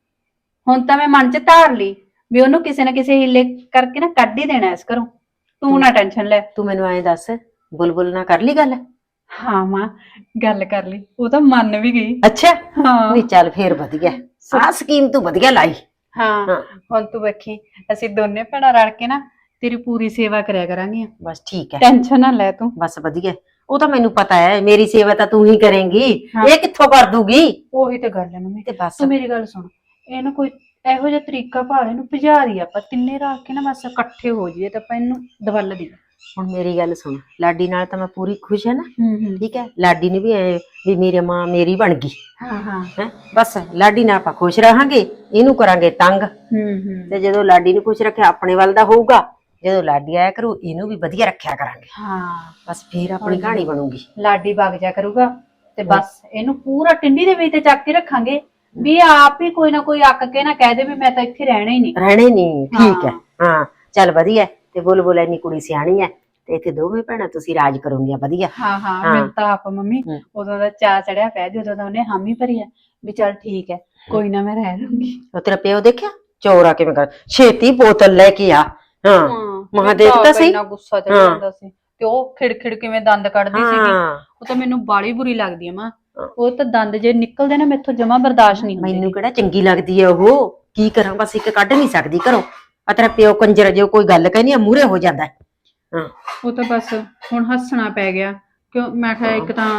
[SPEAKER 2] ਹੁਣ ਤਾਂ ਮੈਂ ਮਨ 'ਚ ਧਾਰ ਲਈ ਵੀ ਉਹਨੂੰ ਕਿਸੇ ਨਾ ਕਿਸੇ ਹੀਲੇ ਕਰਕੇ ਨਾ ਕੱਢ ਹੀ ਦੇਣਾ ਇਸ ਘਰੋਂ। ਤੂੰ ਨਾ ਟੈਨਸ਼ਨ ਲੈ।
[SPEAKER 4] ਤੂੰ ਮੈਨੂੰ ਐਂ ਦੱਸ, ਬੁਲਬੁਲ ਨਾਲ ਕਰ ਲਈ ਗੱਲ?
[SPEAKER 2] ਹਾਂ ਮਾਂ ਗੱਲ ਕਰ ਲਈ, ਉਹ ਤਾਂ ਮੰਨ ਵੀ ਗਈ।
[SPEAKER 4] ਅੱਛਾ
[SPEAKER 2] ਹਾਂ
[SPEAKER 4] ਵੀ ਚੱਲ ਫੇਰ ਵਧੀਆ। ਆਹ ਸਕੀਮ ਤੂੰ ਵਧੀਆ ਲਾਈ।
[SPEAKER 2] ਹਾਂ
[SPEAKER 4] ਹਾਂ।
[SPEAKER 2] ਹੁਣ ਤੂੰ ਵੇਖੀ ਅਸੀਂ ਦੋਨੇ ਭੈਣਾਂ ਰਲ ਕੇ ਨਾ ਤੇਰੀ ਪੂਰੀ ਸੇਵਾ ਕਰਿਆ ਕਰਾਂਗੀਆਂ।
[SPEAKER 4] ਬਸ ਠੀਕ ਹੈ,
[SPEAKER 2] ਟੈਨਸ਼ਨ ਨਾ ਲੈ ਤੂੰ।
[SPEAKER 4] ਬਸ ਵਧੀਆ। ਉਹ ਤਾਂ ਮੈਨੂੰ ਪਤਾ ਹੈ ਮੇਰੀ ਸੇਵਾ ਤਾਂ ਤੂੰ ਹੀ ਕਰੇਂਗੀ।
[SPEAKER 2] ਹਾਂ।
[SPEAKER 4] ਇਹ ਕਿੱਥੋਂ ਕਰ ਦੂਗੀ?
[SPEAKER 2] ਉਹੀ ਤਾਂ ਗੱਲ ਹੈ ਮੰਮੀ।
[SPEAKER 4] ਤੇ ਬਸ
[SPEAKER 2] ਤੂੰ ਮੇਰੀ ਗੱਲ ਸੁਣ, ਇਹਨੂੰ ਕੋਈ ਇਹੋ ਜਿਹਾ ਤਰੀਕਾ ਭਾਲੇ ਨੂੰ ਭਜਾ ਦੀ ਆਪਾਂ ਤਿੰਨੇ ਰਲ ਕੇ ਨਾ ਬਸ ਇਕੱਠੇ ਹੋ ਜਾਈਏ ਤਾਂ ਆਪਾਂ ਇਹਨੂੰ ਦਵਲ ਦੀ।
[SPEAKER 4] ਹੁਣ ਮੇਰੀ ਗੱਲ ਸੁਣ, ਲਾਡੀ ਨਾਲ ਤਾਂ ਮੈਂ ਪੂਰੀ ਖੁਸ਼ ਹੈ ਨਾ।
[SPEAKER 2] ਹੂੰ
[SPEAKER 4] ਠੀਕ ਹੈ, ਲਾਡੀ ਨੇ ਵੀ ਐ ਵੀ ਮੇਰੀ ਮਾਂ ਮੇਰੀ ਬਣ ਗਈ
[SPEAKER 2] ਹਾਂ ਹਾਂ
[SPEAKER 4] ਹੈ। ਬਸ ਲਾਡੀ ਨਾਲ ਆਪਾਂ ਖੁਸ਼ ਰਹਾਂਗੇ, ਇਹਨੂੰ ਕਰਾਂਗੇ ਤੰਗ।
[SPEAKER 2] ਹੂੰ
[SPEAKER 4] ਤੇ ਜਦੋਂ ਲਾਡੀ ਨੂੰ ਖੁਸ਼ ਰੱਖਿਆ ਆਪਣੇ ਵੱਲ ਦਾ ਹੋਊਗਾ, ਜਦੋਂ ਲਾਡੀ ਆਇਆ ਕਰੂ ਇਹਨੂੰ ਵੀ ਵਧੀਆ ਰੱਖਿਆ ਕਰਾਂਗੇ।
[SPEAKER 2] ਹਾਂ
[SPEAKER 4] ਬਸ ਫੇਰ ਆਪਣੀ ਕਹਾਣੀ ਬਣੂਗੀ।
[SPEAKER 2] ਲਾਡੀ ਵਗ ਜਾ ਕਰੂਗਾ ਤੇ ਬਸ ਇਹਨੂੰ ਪੂਰਾ ਟਿੰਡੀ ਦੇ ਵਿੱਚ ਤੇ ਚੱਕ ਕੇ ਰੱਖਾਂਗੇ ਵੀ ਇਹ ਆਪ ਹੀ ਕੋਈ ਨਾ ਕੋਈ ਅੱਕ ਕੇ ਨਾ ਕਹਿ ਦੇ ਵੀ ਮੈਂ ਤਾਂ ਇੱਥੇ ਰਹਿਣਾ ਹੀ ਨਹੀਂ।
[SPEAKER 4] ਰਹਿਣੇ ਨਹੀਂ। ਠੀਕ ਹੈ, ਹਾਂ ਚੱਲ ਵਧੀਆ। ਤੇ ਬੁਲਬੁਲ ਇੰਨੀ ਕੁੜੀ ਸਿਆਣੀ ਹੈ ਤੇ ਇੱਥੇ ਦੋਵੇਂ ਭੈਣਾਂ ਤੁਸੀਂ ਰਾਜ ਕਰੋਗੀਆਂ ਵਧੀਆ।
[SPEAKER 2] ਹਾਂ ਹਾਂ
[SPEAKER 4] ਹਾਂ।
[SPEAKER 2] ਮੈਨੂੰ ਤਾਂ ਆਪ ਮੰਮੀ
[SPEAKER 4] ਹੂੰ।
[SPEAKER 2] ਉਦੋਂ ਦਾ ਚਾਅ ਚੜਿਆ ਪਿਆ ਜਦੋਂ ਦਾ ਉਹਨੇ ਹਾਮੀ ਭਰੀ ਆ ਵੀ ਚੱਲ ਠੀਕ ਹੈ ਕੋਈ ਨਾ ਮੈਂ ਰਹਿ ਲੂੰਗੀ।
[SPEAKER 4] ਉਹ ਤੇਰਾ ਪਿਓ ਦੇਖਿਆ ਚੋਰਾ ਕਿਵੇਂ ਕਰ, ਛੇਤੀ ਬੋਤਲ ਲੈ ਕੇ ਆ। ਹਾਂ ਮਹਾਂ ਦੇਖ ਤਾਂ ਸਹੀ।
[SPEAKER 2] ਇੰਨਾ ਗੁੱਸਾ ਚੜ
[SPEAKER 4] ਹਾਂ।
[SPEAKER 2] ਜਾਂਦਾ ਸੀ ਤੇ ਉਹ ਖਿੜਖਿੜ ਕਿਵੇਂ ਦੰਦ ਕੱਢਦੀ ਸੀਗੀ।
[SPEAKER 4] ਹਾਂ
[SPEAKER 2] ਉਹ ਤਾਂ ਮੈਨੂੰ ਬਾਲੀ ਬੁਰੀ ਲੱਗਦੀ ਆ ਮਾਂ। ਉਹ ਤਾਂ ਦੰਦ ਜੇ ਨਿਕਲਦੇ ਨਾ ਮੈਥੋਂ ਜਮਾ ਬਰਦਾਸ਼ਤ ਨਹੀਂ ਹੁੰਦੇ।
[SPEAKER 4] ਮੈਨੂੰ ਕਿਹੜਾ ਚੰਗੀ ਲੱਗਦੀ ਹੈ ਉਹ? ਕੀ ਕਰਾਂ, ਬਸ ਇੱਕ ਕੱਢ ਨਹੀਂ ਸਕਦੀ ਘਰੋਂ। ਆ ਤੇਰਾ ਪਿਓ ਕੰਜਰ, ਜੇ ਕੋਈ ਗੱਲ ਕਹਿੰਦੀ ਆ ਮੂਹਰੇ ਹੋ ਜਾਂਦਾ ਹੈ। ਹਾਂ।
[SPEAKER 2] ਉਹ ਤਾਂ ਬਸ ਹੁਣ ਹੱਸਣਾ ਪੈ ਗਿਆ ਕਿਉਂ ਮੈਂ ਕਿਹਾ ਇੱਕ ਤਾਂ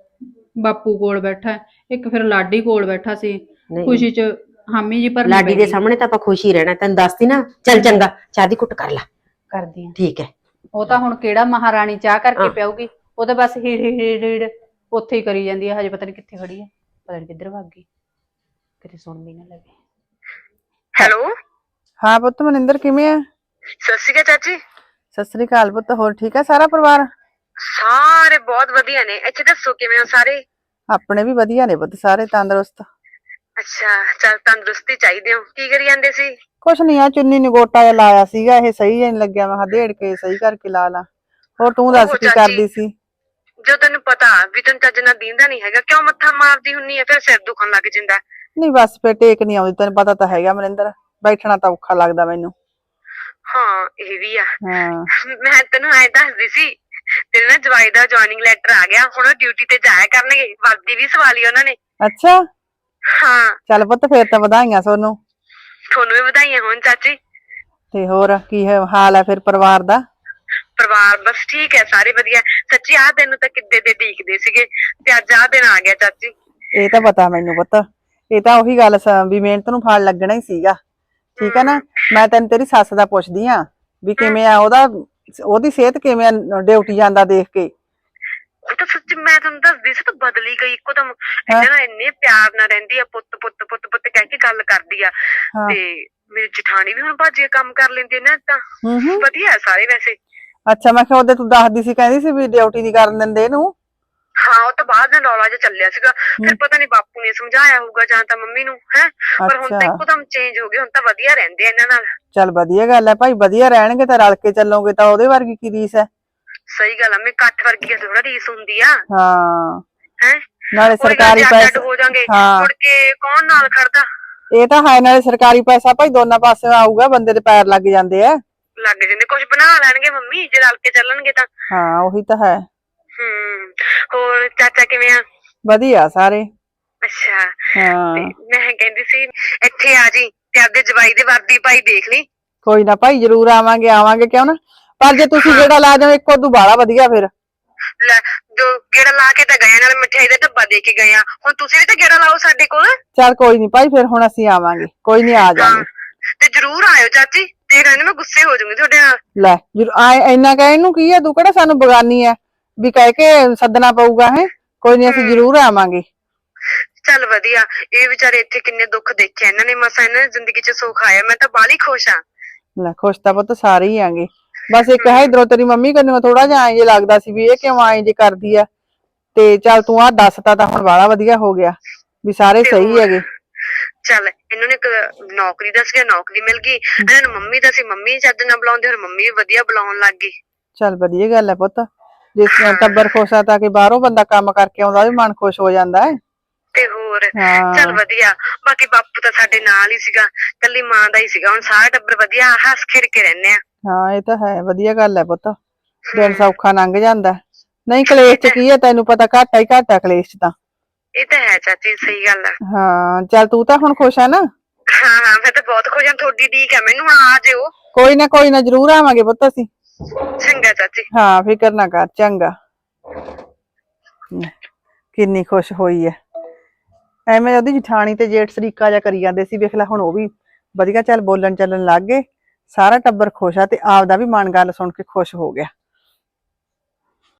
[SPEAKER 2] ਬਾਪੂ ਕੋਲ ਬੈਠਾ ਇੱਕ ਫਿਰ ਲਾਡੀ ਕੋਲ ਬੈਠਾ ਸੀ
[SPEAKER 4] ਨਹੀਂ
[SPEAKER 2] ਖੁਸ਼ੀ ਚ ਹਾਮੀ ਜੀ ਭਰਨੀ
[SPEAKER 4] ਲਾਡੀ
[SPEAKER 2] ਪੈ
[SPEAKER 4] ਦੇ
[SPEAKER 2] ਗਈ।
[SPEAKER 4] ਸਾਹਮਣੇ ਤਾਂ ਆਪਾਂ ਖੁਸ਼ ਹੀ ਰਹਿਣਾ, ਤੈਨੂੰ ਦੱਸਦੀ ਨਾ। ਚੱਲ ਚੰਗਾ, ਚਾਹ ਦੀ ਘੁੱਟ ਕਰ ਲੈ।
[SPEAKER 2] ਕਰਦੀ ਆ
[SPEAKER 4] ਠੀਕ ਹੈ।
[SPEAKER 2] ਉਹ ਤਾਂ ਹੁਣ ਕਿਹੜਾ ਮਹਾਰਾਣੀ ਚਾਹ ਕਰਕੇ
[SPEAKER 4] ਹਾਂ।
[SPEAKER 2] ਪਿਆਊਗੀ, ਉਹ ਤਾਂ ਬਸ ਹੀੜ ਉੱਥੇ ਹੀ ਕਰੀ ਜਾਂਦੀ ਹੈ। ਹਜੇ ਪਤਾ ਨਹੀਂ ਕਿੱਥੇ ਖੜੀ ਹੈ, ਪਤਾ ਨਹੀਂ ਕਿੱਧਰ ਭੱਗ ਗਈ, ਕਿਤੇ ਸੁਣ ਵੀ ਨਾ ਲਵੇ।
[SPEAKER 8] ਹੈਲੋ,
[SPEAKER 9] ਹਾਂ ਪੁੱਤ ਮਨਿੰਦਰ ਕਿਵੇਂ ਆ?
[SPEAKER 8] ਸਤਿ ਸ਼੍ਰੀ ਅਕਾਲ ਚਾਚੀ।
[SPEAKER 9] ਸਤਿ ਸ੍ਰੀ ਅਕਾਲ ਪੁੱਤ, ਹੋਰ ਠੀਕ ਆ ਸਾਰਾ ਪਰਿਵਾਰ?
[SPEAKER 8] ਸਾਰੇ ਬਹੁਤ ਵਧੀਆ ਨੇ। ਇੱਥੇ ਦੱਸੋ ਕਿਵੇਂ ਹੋ ਸਾਰੇ?
[SPEAKER 9] ਆਪਣੇ ਵੀ ਵਧੀਆ ਨੇ ਪੁੱਤ, ਸਾਰੇ ਤੰਦਰੁਸਤ।
[SPEAKER 8] ਅੱਛਾ, ਚੱਲ ਤੰਦਰੁਸਤੀ ਚਾਹੀਦੀ ਹੋ। ਕੀ ਕਰੀ ਜਾਂਦੇ ਸੀ?
[SPEAKER 9] ਕੁਛ ਨੀ ਆ, ਚੁੰਨੀ ਨੂੰ ਗੋਟਾ ਜਿਹਾ ਲਾਇਆ ਸੀਗਾ, ਇਹ ਸਹੀ ਜਿਹਾ ਨੀ ਲੱਗਿਆ, ਮੈਂ ਕਿਹਾ ਦੇੜ ਕੇ ਸਹੀ ਕਰਕੇ ਲਾ ਲਾ। ਹੋਰ ਤੂੰ ਦੱਸ
[SPEAKER 8] ਓਹੋ
[SPEAKER 9] ਕੀ
[SPEAKER 8] ਚਾਚੀ,
[SPEAKER 9] ਕਰਦੀ ਸੀ?
[SPEAKER 8] ਜੋ ਤੈਨੂੰ ਪਤਾ ਵੀ ਤੈਨੂੰ ਚੱਜ ਨਾਲ ਦੀਂਦਾ ਨਹੀਂ ਹੈਗਾ, ਕਿਉਂ ਮੱਥਾ ਮਾਰਦੀ ਹੁੰਨੀ ਹੈ? ਫਿਰ ਸਿਰ ਦੁਖਣ ਲੱਗ ਜਾਂਦਾ।
[SPEAKER 9] ਨਹੀਂ ਬਸ ਫਿਰ ਟੇਕ ਨੀ ਆਉਂਦੀ, ਤੈਨੂੰ ਪਤਾ ਤਾਂ ਹੈਗਾ ਮਨਿੰਦਰ, ਬੈਠਣਾ ਤਾਂ ਔਖਾ ਲੱਗਦਾ ਮੈਨੂੰ।
[SPEAKER 8] ਹਾਂ ਇਹ ਵੀ ਆ।
[SPEAKER 9] ਹਾਂ
[SPEAKER 8] ਮੈਂ ਤੈਨੂੰ ਐਂ ਦੱਸਦੀ ਸੀ, ਤੇਰੇ ਨਾ ਜਵਾਈ ਦਾ ਜੁਆਇਨਿੰਗ ਲੈਟਰ ਆ ਗਿਆ, ਹੁਣ ਉਹ ਡਿਊਟੀ ਤੇ ਜਾਇਆ ਕਰਨਗੇ। ਵਰਦੀ ਵੀ ਸਵਾ ਲਈ ਉਹਨਾਂ ਨੇ।
[SPEAKER 9] ਅੱਛਾ,
[SPEAKER 8] ਹਾਂ,
[SPEAKER 9] ਚੱਲ ਪੁੱਤ ਫੇਰ ਤਾਂ ਵਧਾਈਆਂ ਤੁਹਾਨੂੰ।
[SPEAKER 8] ਤੁਹਾਨੂੰ ਵੀ ਵਧਾਈਆਂ ਹੋਣ ਚਾਚੀ।
[SPEAKER 9] ਤੇ ਹੋਰ ਕੀ ਹਾਲ ਹੈ ਫਿਰ ਪਰਿਵਾਰ ਦਾ?
[SPEAKER 8] ਪਰਿਵਾਰ ਬਸ ਠੀਕ ਹੈ, ਸਾਰੇ ਵਧੀਆ। ਸੱਚੀ ਆਹ ਦਿਨ ਤਾਂ ਕਿੱਦੇ ਦੇ ਡੀਕਦੇ ਸੀਗੇ, ਤੇ ਅੱਜ ਆਹ ਦਿਨ ਆ ਗਿਆ ਚਾਚੀ।
[SPEAKER 9] ਇਹ ਤਾਂ ਪਤਾ ਮੈਨੂੰ ਪੁੱਤ, ਇਹ ਤਾਂ ਉਹੀ ਗੱਲ ਵੀ ਮਿਹਨਤ ਨੂੰ ਫਲ ਲੱਗਣਾ ਹੀ ਸੀਗਾ। ਠੀਕ ਹੈ ਨਾ, ਮੈਂ ਤੈਨੂੰ ਤੇਰੀ ਸੱਸ ਦਾ ਪੁੱਛਦੀ ਆ ਵੀ ਕਿਵੇਂ ਆ ਉਹਦੀ ਸਿਹਤ ਕਿਵੇਂ ਆ ਡਿਊਟੀ ਜਾਂਦਾ ਦੇਖ ਕੇ?
[SPEAKER 8] ਉਹ ਤਾਂ ਸੱਚ ਮੈਂ ਤੁਹਾਨੂੰ ਦੱਸਦੀ ਸੀ, ਤਾਂ ਬਦਲੀ ਗਈ ਇੱਕਦਮ। ਇਹਨਾਂ ਨਾਲ ਇੰਨੇ ਪਿਆਰ ਨਾਲ ਰਹਿੰਦੀ ਆ, ਪੁੱਤ ਪੁੱਤ ਪੁੱਤ ਪੁੱਤ ਕਹਿ ਕੇ ਗੱਲ ਕਰਦੀ ਆ।
[SPEAKER 9] ਹਾਂ।
[SPEAKER 8] ਤੇ ਮੇਰੀ ਜਠਾਣੀ ਵੀ ਹੁਣ ਭਾਜੀ ਕੰਮ ਕਰ ਲੈਂਦੀ ਆ ਨਾ, ਤਾਂ
[SPEAKER 9] ਹੂੰ।
[SPEAKER 8] ਵਧੀਆ ਸਾਰੇ ਵੈਸੇ।
[SPEAKER 9] ਅੱਛਾ, ਮੈਂ ਕਿਹਾ ਉਹਦੇ ਤੂੰ ਦੱਸਦੀ ਸੀ, ਕਹਿੰਦੀ ਸੀ ਵੀ ਡਿਊਟੀ ਨਹੀਂ ਕਰਨ ਦਿੰਦੇ ਇਹਨੂੰ।
[SPEAKER 8] ਹਾਂ, ਉਹ ਤਾਂ ਬਾਅਦ ਨਾਲ ਰੌਲਾ ਜਿਹਾ ਚੱਲਿਆ ਸੀਗਾ। ਫਿਰ ਪਤਾ ਨੀ ਬਾਪੂ ਨੇ ਸਮਝਾਇਆ ਹੋਊਗਾ ਜਾਂ ਤਾਂ ਮੰਮੀ ਨੂੰ, ਹੈ। ਪਰ ਹੁਣ ਤਾਂ
[SPEAKER 9] ਅੱਛਾ।
[SPEAKER 8] ਇੱਕਦਮ ਚੇਂਜ ਹੋ ਗਏ, ਹੁਣ ਤਾਂ ਵਧੀਆ ਰਹਿੰਦੇ ਆ ਇਹਨਾਂ ਨਾਲ।
[SPEAKER 9] ਚੱਲ ਵਧੀਆ ਗੱਲ ਹੈ ਭਾਈ, ਵਧੀਆ ਰਹਿਣਗੇ ਤਾਂ ਰਲ ਕੇ ਚੱਲੋਗੇ ਤਾਂ ਉਹਦੇ ਵਰਗੀ ਕੀ ਰੀਸ ਹੈ।
[SPEAKER 8] ਸਹੀ ਗੱਲ ਆ, ਮੈਂ ਇਕੱਠ ਵਰਗੀ ਥੋੜਾ ਰੀਸ ਹੁੰਦੀ ਆ,
[SPEAKER 9] ਹਾਂ,
[SPEAKER 8] ਹੈ।
[SPEAKER 9] ਨਾਲੇ ਸਰਕਾਰੀ
[SPEAKER 8] ਅੱਡ
[SPEAKER 9] ਪੈਸੇ।
[SPEAKER 8] ਹੋ ਜਾਾਂਗੇ,
[SPEAKER 9] ਹਾਂ,
[SPEAKER 8] ਮੁੜ ਕੇ ਕੌਣ ਨਾਲ ਖੜਦਾ?
[SPEAKER 9] ਇਹ ਤਾਂ ਹੈ, ਨਾਲੇ ਸਰਕਾਰੀ ਪੈਸਾ ਭਾਈ ਦੋਨਾਂ ਪਾਸੇ ਆਊਗਾ, ਬੰਦੇ ਦੇ ਪੈਰ ਲੱਗ ਜਾਂਦੇ ਆ।
[SPEAKER 8] ਲੱਗ ਜਾਂਦੇ, ਕੁਝ ਬਣਾ ਲੈਣਗੇ ਮੰਮੀ ਜੇ ਰਲ ਕੇ ਚੱਲਣਗੇ ਤਾਂ।
[SPEAKER 9] ਹਾਂ ਉਹੀ ਤਾਂ ਹੈ।
[SPEAKER 8] ਹੋਰ ਚਾਚਾ ਕਿਵੇਂ ਆ?
[SPEAKER 9] ਵਧੀਆ ਸਾਰੇ।
[SPEAKER 8] ਅੱਛਾ,
[SPEAKER 9] ਹਾਂ
[SPEAKER 8] ਤੇ ਮੈਂ ਕਹਿੰਦੀ ਸੀ ਇੱਥੇ ਆ ਜੀ ਤੇ ਆਪਦੇ ਜਵਾਈ ਦੇ ਵਰਦੀ ਪਾਈ ਦੇਖ ਲਈ।
[SPEAKER 9] ਕੋਈ ਨਾ ਭਾਈ, ਜ਼ਰੂਰ ਆਵਾਂਗੇ ਕਿਉਂ ਨਾ, ਪਰ ਜੇ ਤੁਸੀਂ ਜਿਹੜਾ ਲਾ ਜਾਓ ਇੱਕੋ ਤੋਂ ਬਾਹਲਾ ਵਧੀਆ ਫਿਰ।
[SPEAKER 8] ਲੈ, ਜੋ ਗੇੜਾ ਲਾ ਕੇ ਤਾਂ ਗਏ, ਨਾਲ ਮਿਠਾਈ ਦਾ ਡੱਬਾ ਦੇ ਕੇ ਗਏ ਆ, ਹੁਣ ਤੁਸੀਂ ਵੀ ਤਾਂ ਗੇੜਾ ਲਾਓ ਸਾਡੇ ਕੋਲ।
[SPEAKER 9] ਚੱਲ ਕੋਈ ਨੀ ਭਾਈ, ਫਿਰ ਹੁਣ ਅਸੀਂ ਆਵਾਂਗੇ, ਕੋਈ ਨੀ ਆ ਜਾਵਾਂਗੇ।
[SPEAKER 8] ਤੇ ਜਰੂਰ ਆਇਓ ਚਾਚੀ, ਦੇਖ ਲੈਣੇ ਮੈਂ ਗੁੱਸੇ ਹੋ ਜਾਊਂਗੀ ਤੁਹਾਡੇ ਨਾਲ।
[SPEAKER 9] ਲੈ ਇੰਨਾ ਕਹਿਣ ਨੂੰ ਕੀ ਹੈ, ਤੂੰ ਕਿਹੜਾ ਸਾਨੂੰ ਬਗਾਨੀ ਹੈ ਵੀ ਕਹਿ ਕੇ ਸੱਦਣਾ ਪਊਗਾ? ਹੈ ਕੋਈ ਨੀ, ਅਸੀਂ ਜ਼ਰੂਰ ਆਵਾਂਗੇ।
[SPEAKER 8] ਚੱਲ ਵਧੀਆ, ਇਹ ਵਿਚਾਰੇ ਇੱਥੇ ਕਿੰਨੇ ਦੁੱਖ ਦੇਖੇ ਇਹਨਾਂ ਨੇ, ਮਸਾਂ ਇਹਨਾਂ ਦੀ ਜ਼ਿੰਦਗੀ 'ਚ ਸੁੱਖ ਆਇਆ। ਮੈਂ ਤਾਂ ਬਾਹਲੀ ਖੁਸ਼ ਆ।
[SPEAKER 9] ਲੈ ਖੁਸ਼ ਤਾਂ ਪੁੱਤ ਸਾਰੇ ਹੀ ਆਂਗੇ, ਬਸ ਇੱਕ ਹੈ ਇਧਰੋਂ ਤੇਰੀ ਮੰਮੀ ਕੰਨੋਂ ਥੋੜਾ ਜਿਹਾ ਐਂ ਜੇ ਲੱਗਦਾ ਸੀ ਵੀ ਇਹ ਕਿਉਂ ਐਂ ਜੇ ਕਰਦੀ ਆ। ਤੇ ਚੱਲ ਤੂੰ ਆਹ ਦੱਸਤਾ ਤਾਂ ਹੁਣ ਬਾਹਲਾ ਵਧੀਆ ਹੋ ਗਿਆ ਵੀ ਸਾਰੇ ਸਹੀ ਹੈਗੇ।
[SPEAKER 8] ਚੱਲ ਇਹਨਾਂ ਨੇ ਨੌਕਰੀ ਦਾ ਸੀਗਾ, ਨੌਕਰੀ ਮਿਲ ਗਈ। ਇਹਨਾਂ ਨੂੰ ਮੰਮੀ ਦਾ ਸੀ, ਮੰਮੀ ਚੱਜ ਨਾਲ ਬੁਲਾਉਂਦੇ, ਹੁਣ ਮੰਮੀ ਵੀ ਵਧੀਆ ਬੁਲਾਉਣ ਲੱਗ ਗਈ।
[SPEAKER 9] ਚੱਲ ਵਧੀਆ ਗੱਲ ਹੈ ਪੁੱਤ, ਜਿਸ ਟੱਬਰ ਖੁਸ਼ ਆ ਤਾਂ ਕਿ ਬਾਹਰੋਂ ਬੰਦਾ ਕੰਮ ਕਰਕੇ ਆਉਂਦਾ ਵੀ ਮਨ ਖੁਸ਼ ਹੋ ਜਾਂਦਾ ਹੈ।
[SPEAKER 8] ਤੇ ਹੋਰ
[SPEAKER 9] ਹਾਂ।
[SPEAKER 8] ਚੱਲ ਵਧੀਆ, ਬਾਕੀ ਬਾਪੂ ਤਾਂ ਸਾਡੇ ਨਾਲ ਹੀ ਸੀਗਾ, ਕੱਲੀ ਮਾਂ ਦਾ ਹੀ ਸੀਗਾ। ਹੁਣ ਸਾਰਾ ਟੱਬਰ ਵਧੀਆ ਹੱਸ ਖੇਡ ਕੇ ਰਹਿੰਦੇ ਆ।
[SPEAKER 9] ਹਾਂ ਇਹ ਤਾਂ ਹੈ, ਵਧੀਆ ਗੱਲ ਹੈ ਪੁੱਤ, ਦਿਨ ਸੌਖਾ ਲੰਘ ਜਾਂਦਾ। ਨਹੀਂ ਕਲੇਸ਼ ਚ ਕੀ ਹੈ, ਤੈਨੂੰ ਪਤਾ ਘਾਟਾ ਹੀ ਘਾਟਾ ਕਲੇਸ਼ ਚ ਤਾਂ।
[SPEAKER 8] ਇਹ ਤਾਂ ਹੈ ਚਾਚੀ, ਸਹੀ ਗੱਲ ਆ।
[SPEAKER 9] ਹਾਂ ਚੱਲ ਤੂੰ ਤਾਂ ਹੁਣ ਖੁਸ਼ ਆ ਨਾ?
[SPEAKER 8] ਹਾਂ ਮੈਂ ਤਾਂ ਬਹੁਤ ਖੁਸ਼ ਹਾਂ, ਤੁਹਾਡੀ ਉਡੀਕ ਆ ਮੈਨੂੰ, ਹੁਣ ਆ ਜਿਓ।
[SPEAKER 9] ਕੋਈ ਨਾ ਜ਼ਰੂਰ ਆਵਾਂਗੇ ਪੁੱਤ ਅਸੀਂ।
[SPEAKER 8] ਚੰਗਾ ਚਾਚੀ।
[SPEAKER 9] ਹਾਂ ਫਿਕਰ ਨਾ ਕਰ, ਚੰਗਾ। ਕਿੰਨੀ ਖੁਸ਼ ਹੋਈ ਹੈ, ਐਵੇਂ ਉਹਦੀ ਜਠਾਣੀ ਤੇ ਜੇਠ ਸਰੀਕਾ ਜਿਹਾ ਕਰੀ ਜਾਂਦੇ ਸੀ, ਵੇਖ ਲੈ ਹੁਣ ਉਹ ਵੀ ਵਧੀਆ ਚੱਲ ਬੋਲਣ ਚੱਲਣ ਲੱਗ ਗਏ। ਸਾਰਾ ਟੱਬਰ ਖੁਸ਼ ਆ ਤੇ ਆਪਦਾ ਵੀ ਮਨ ਗੱਲ ਸੁਣ ਕੇ ਖੁਸ਼ ਹੋ ਗਿਆ।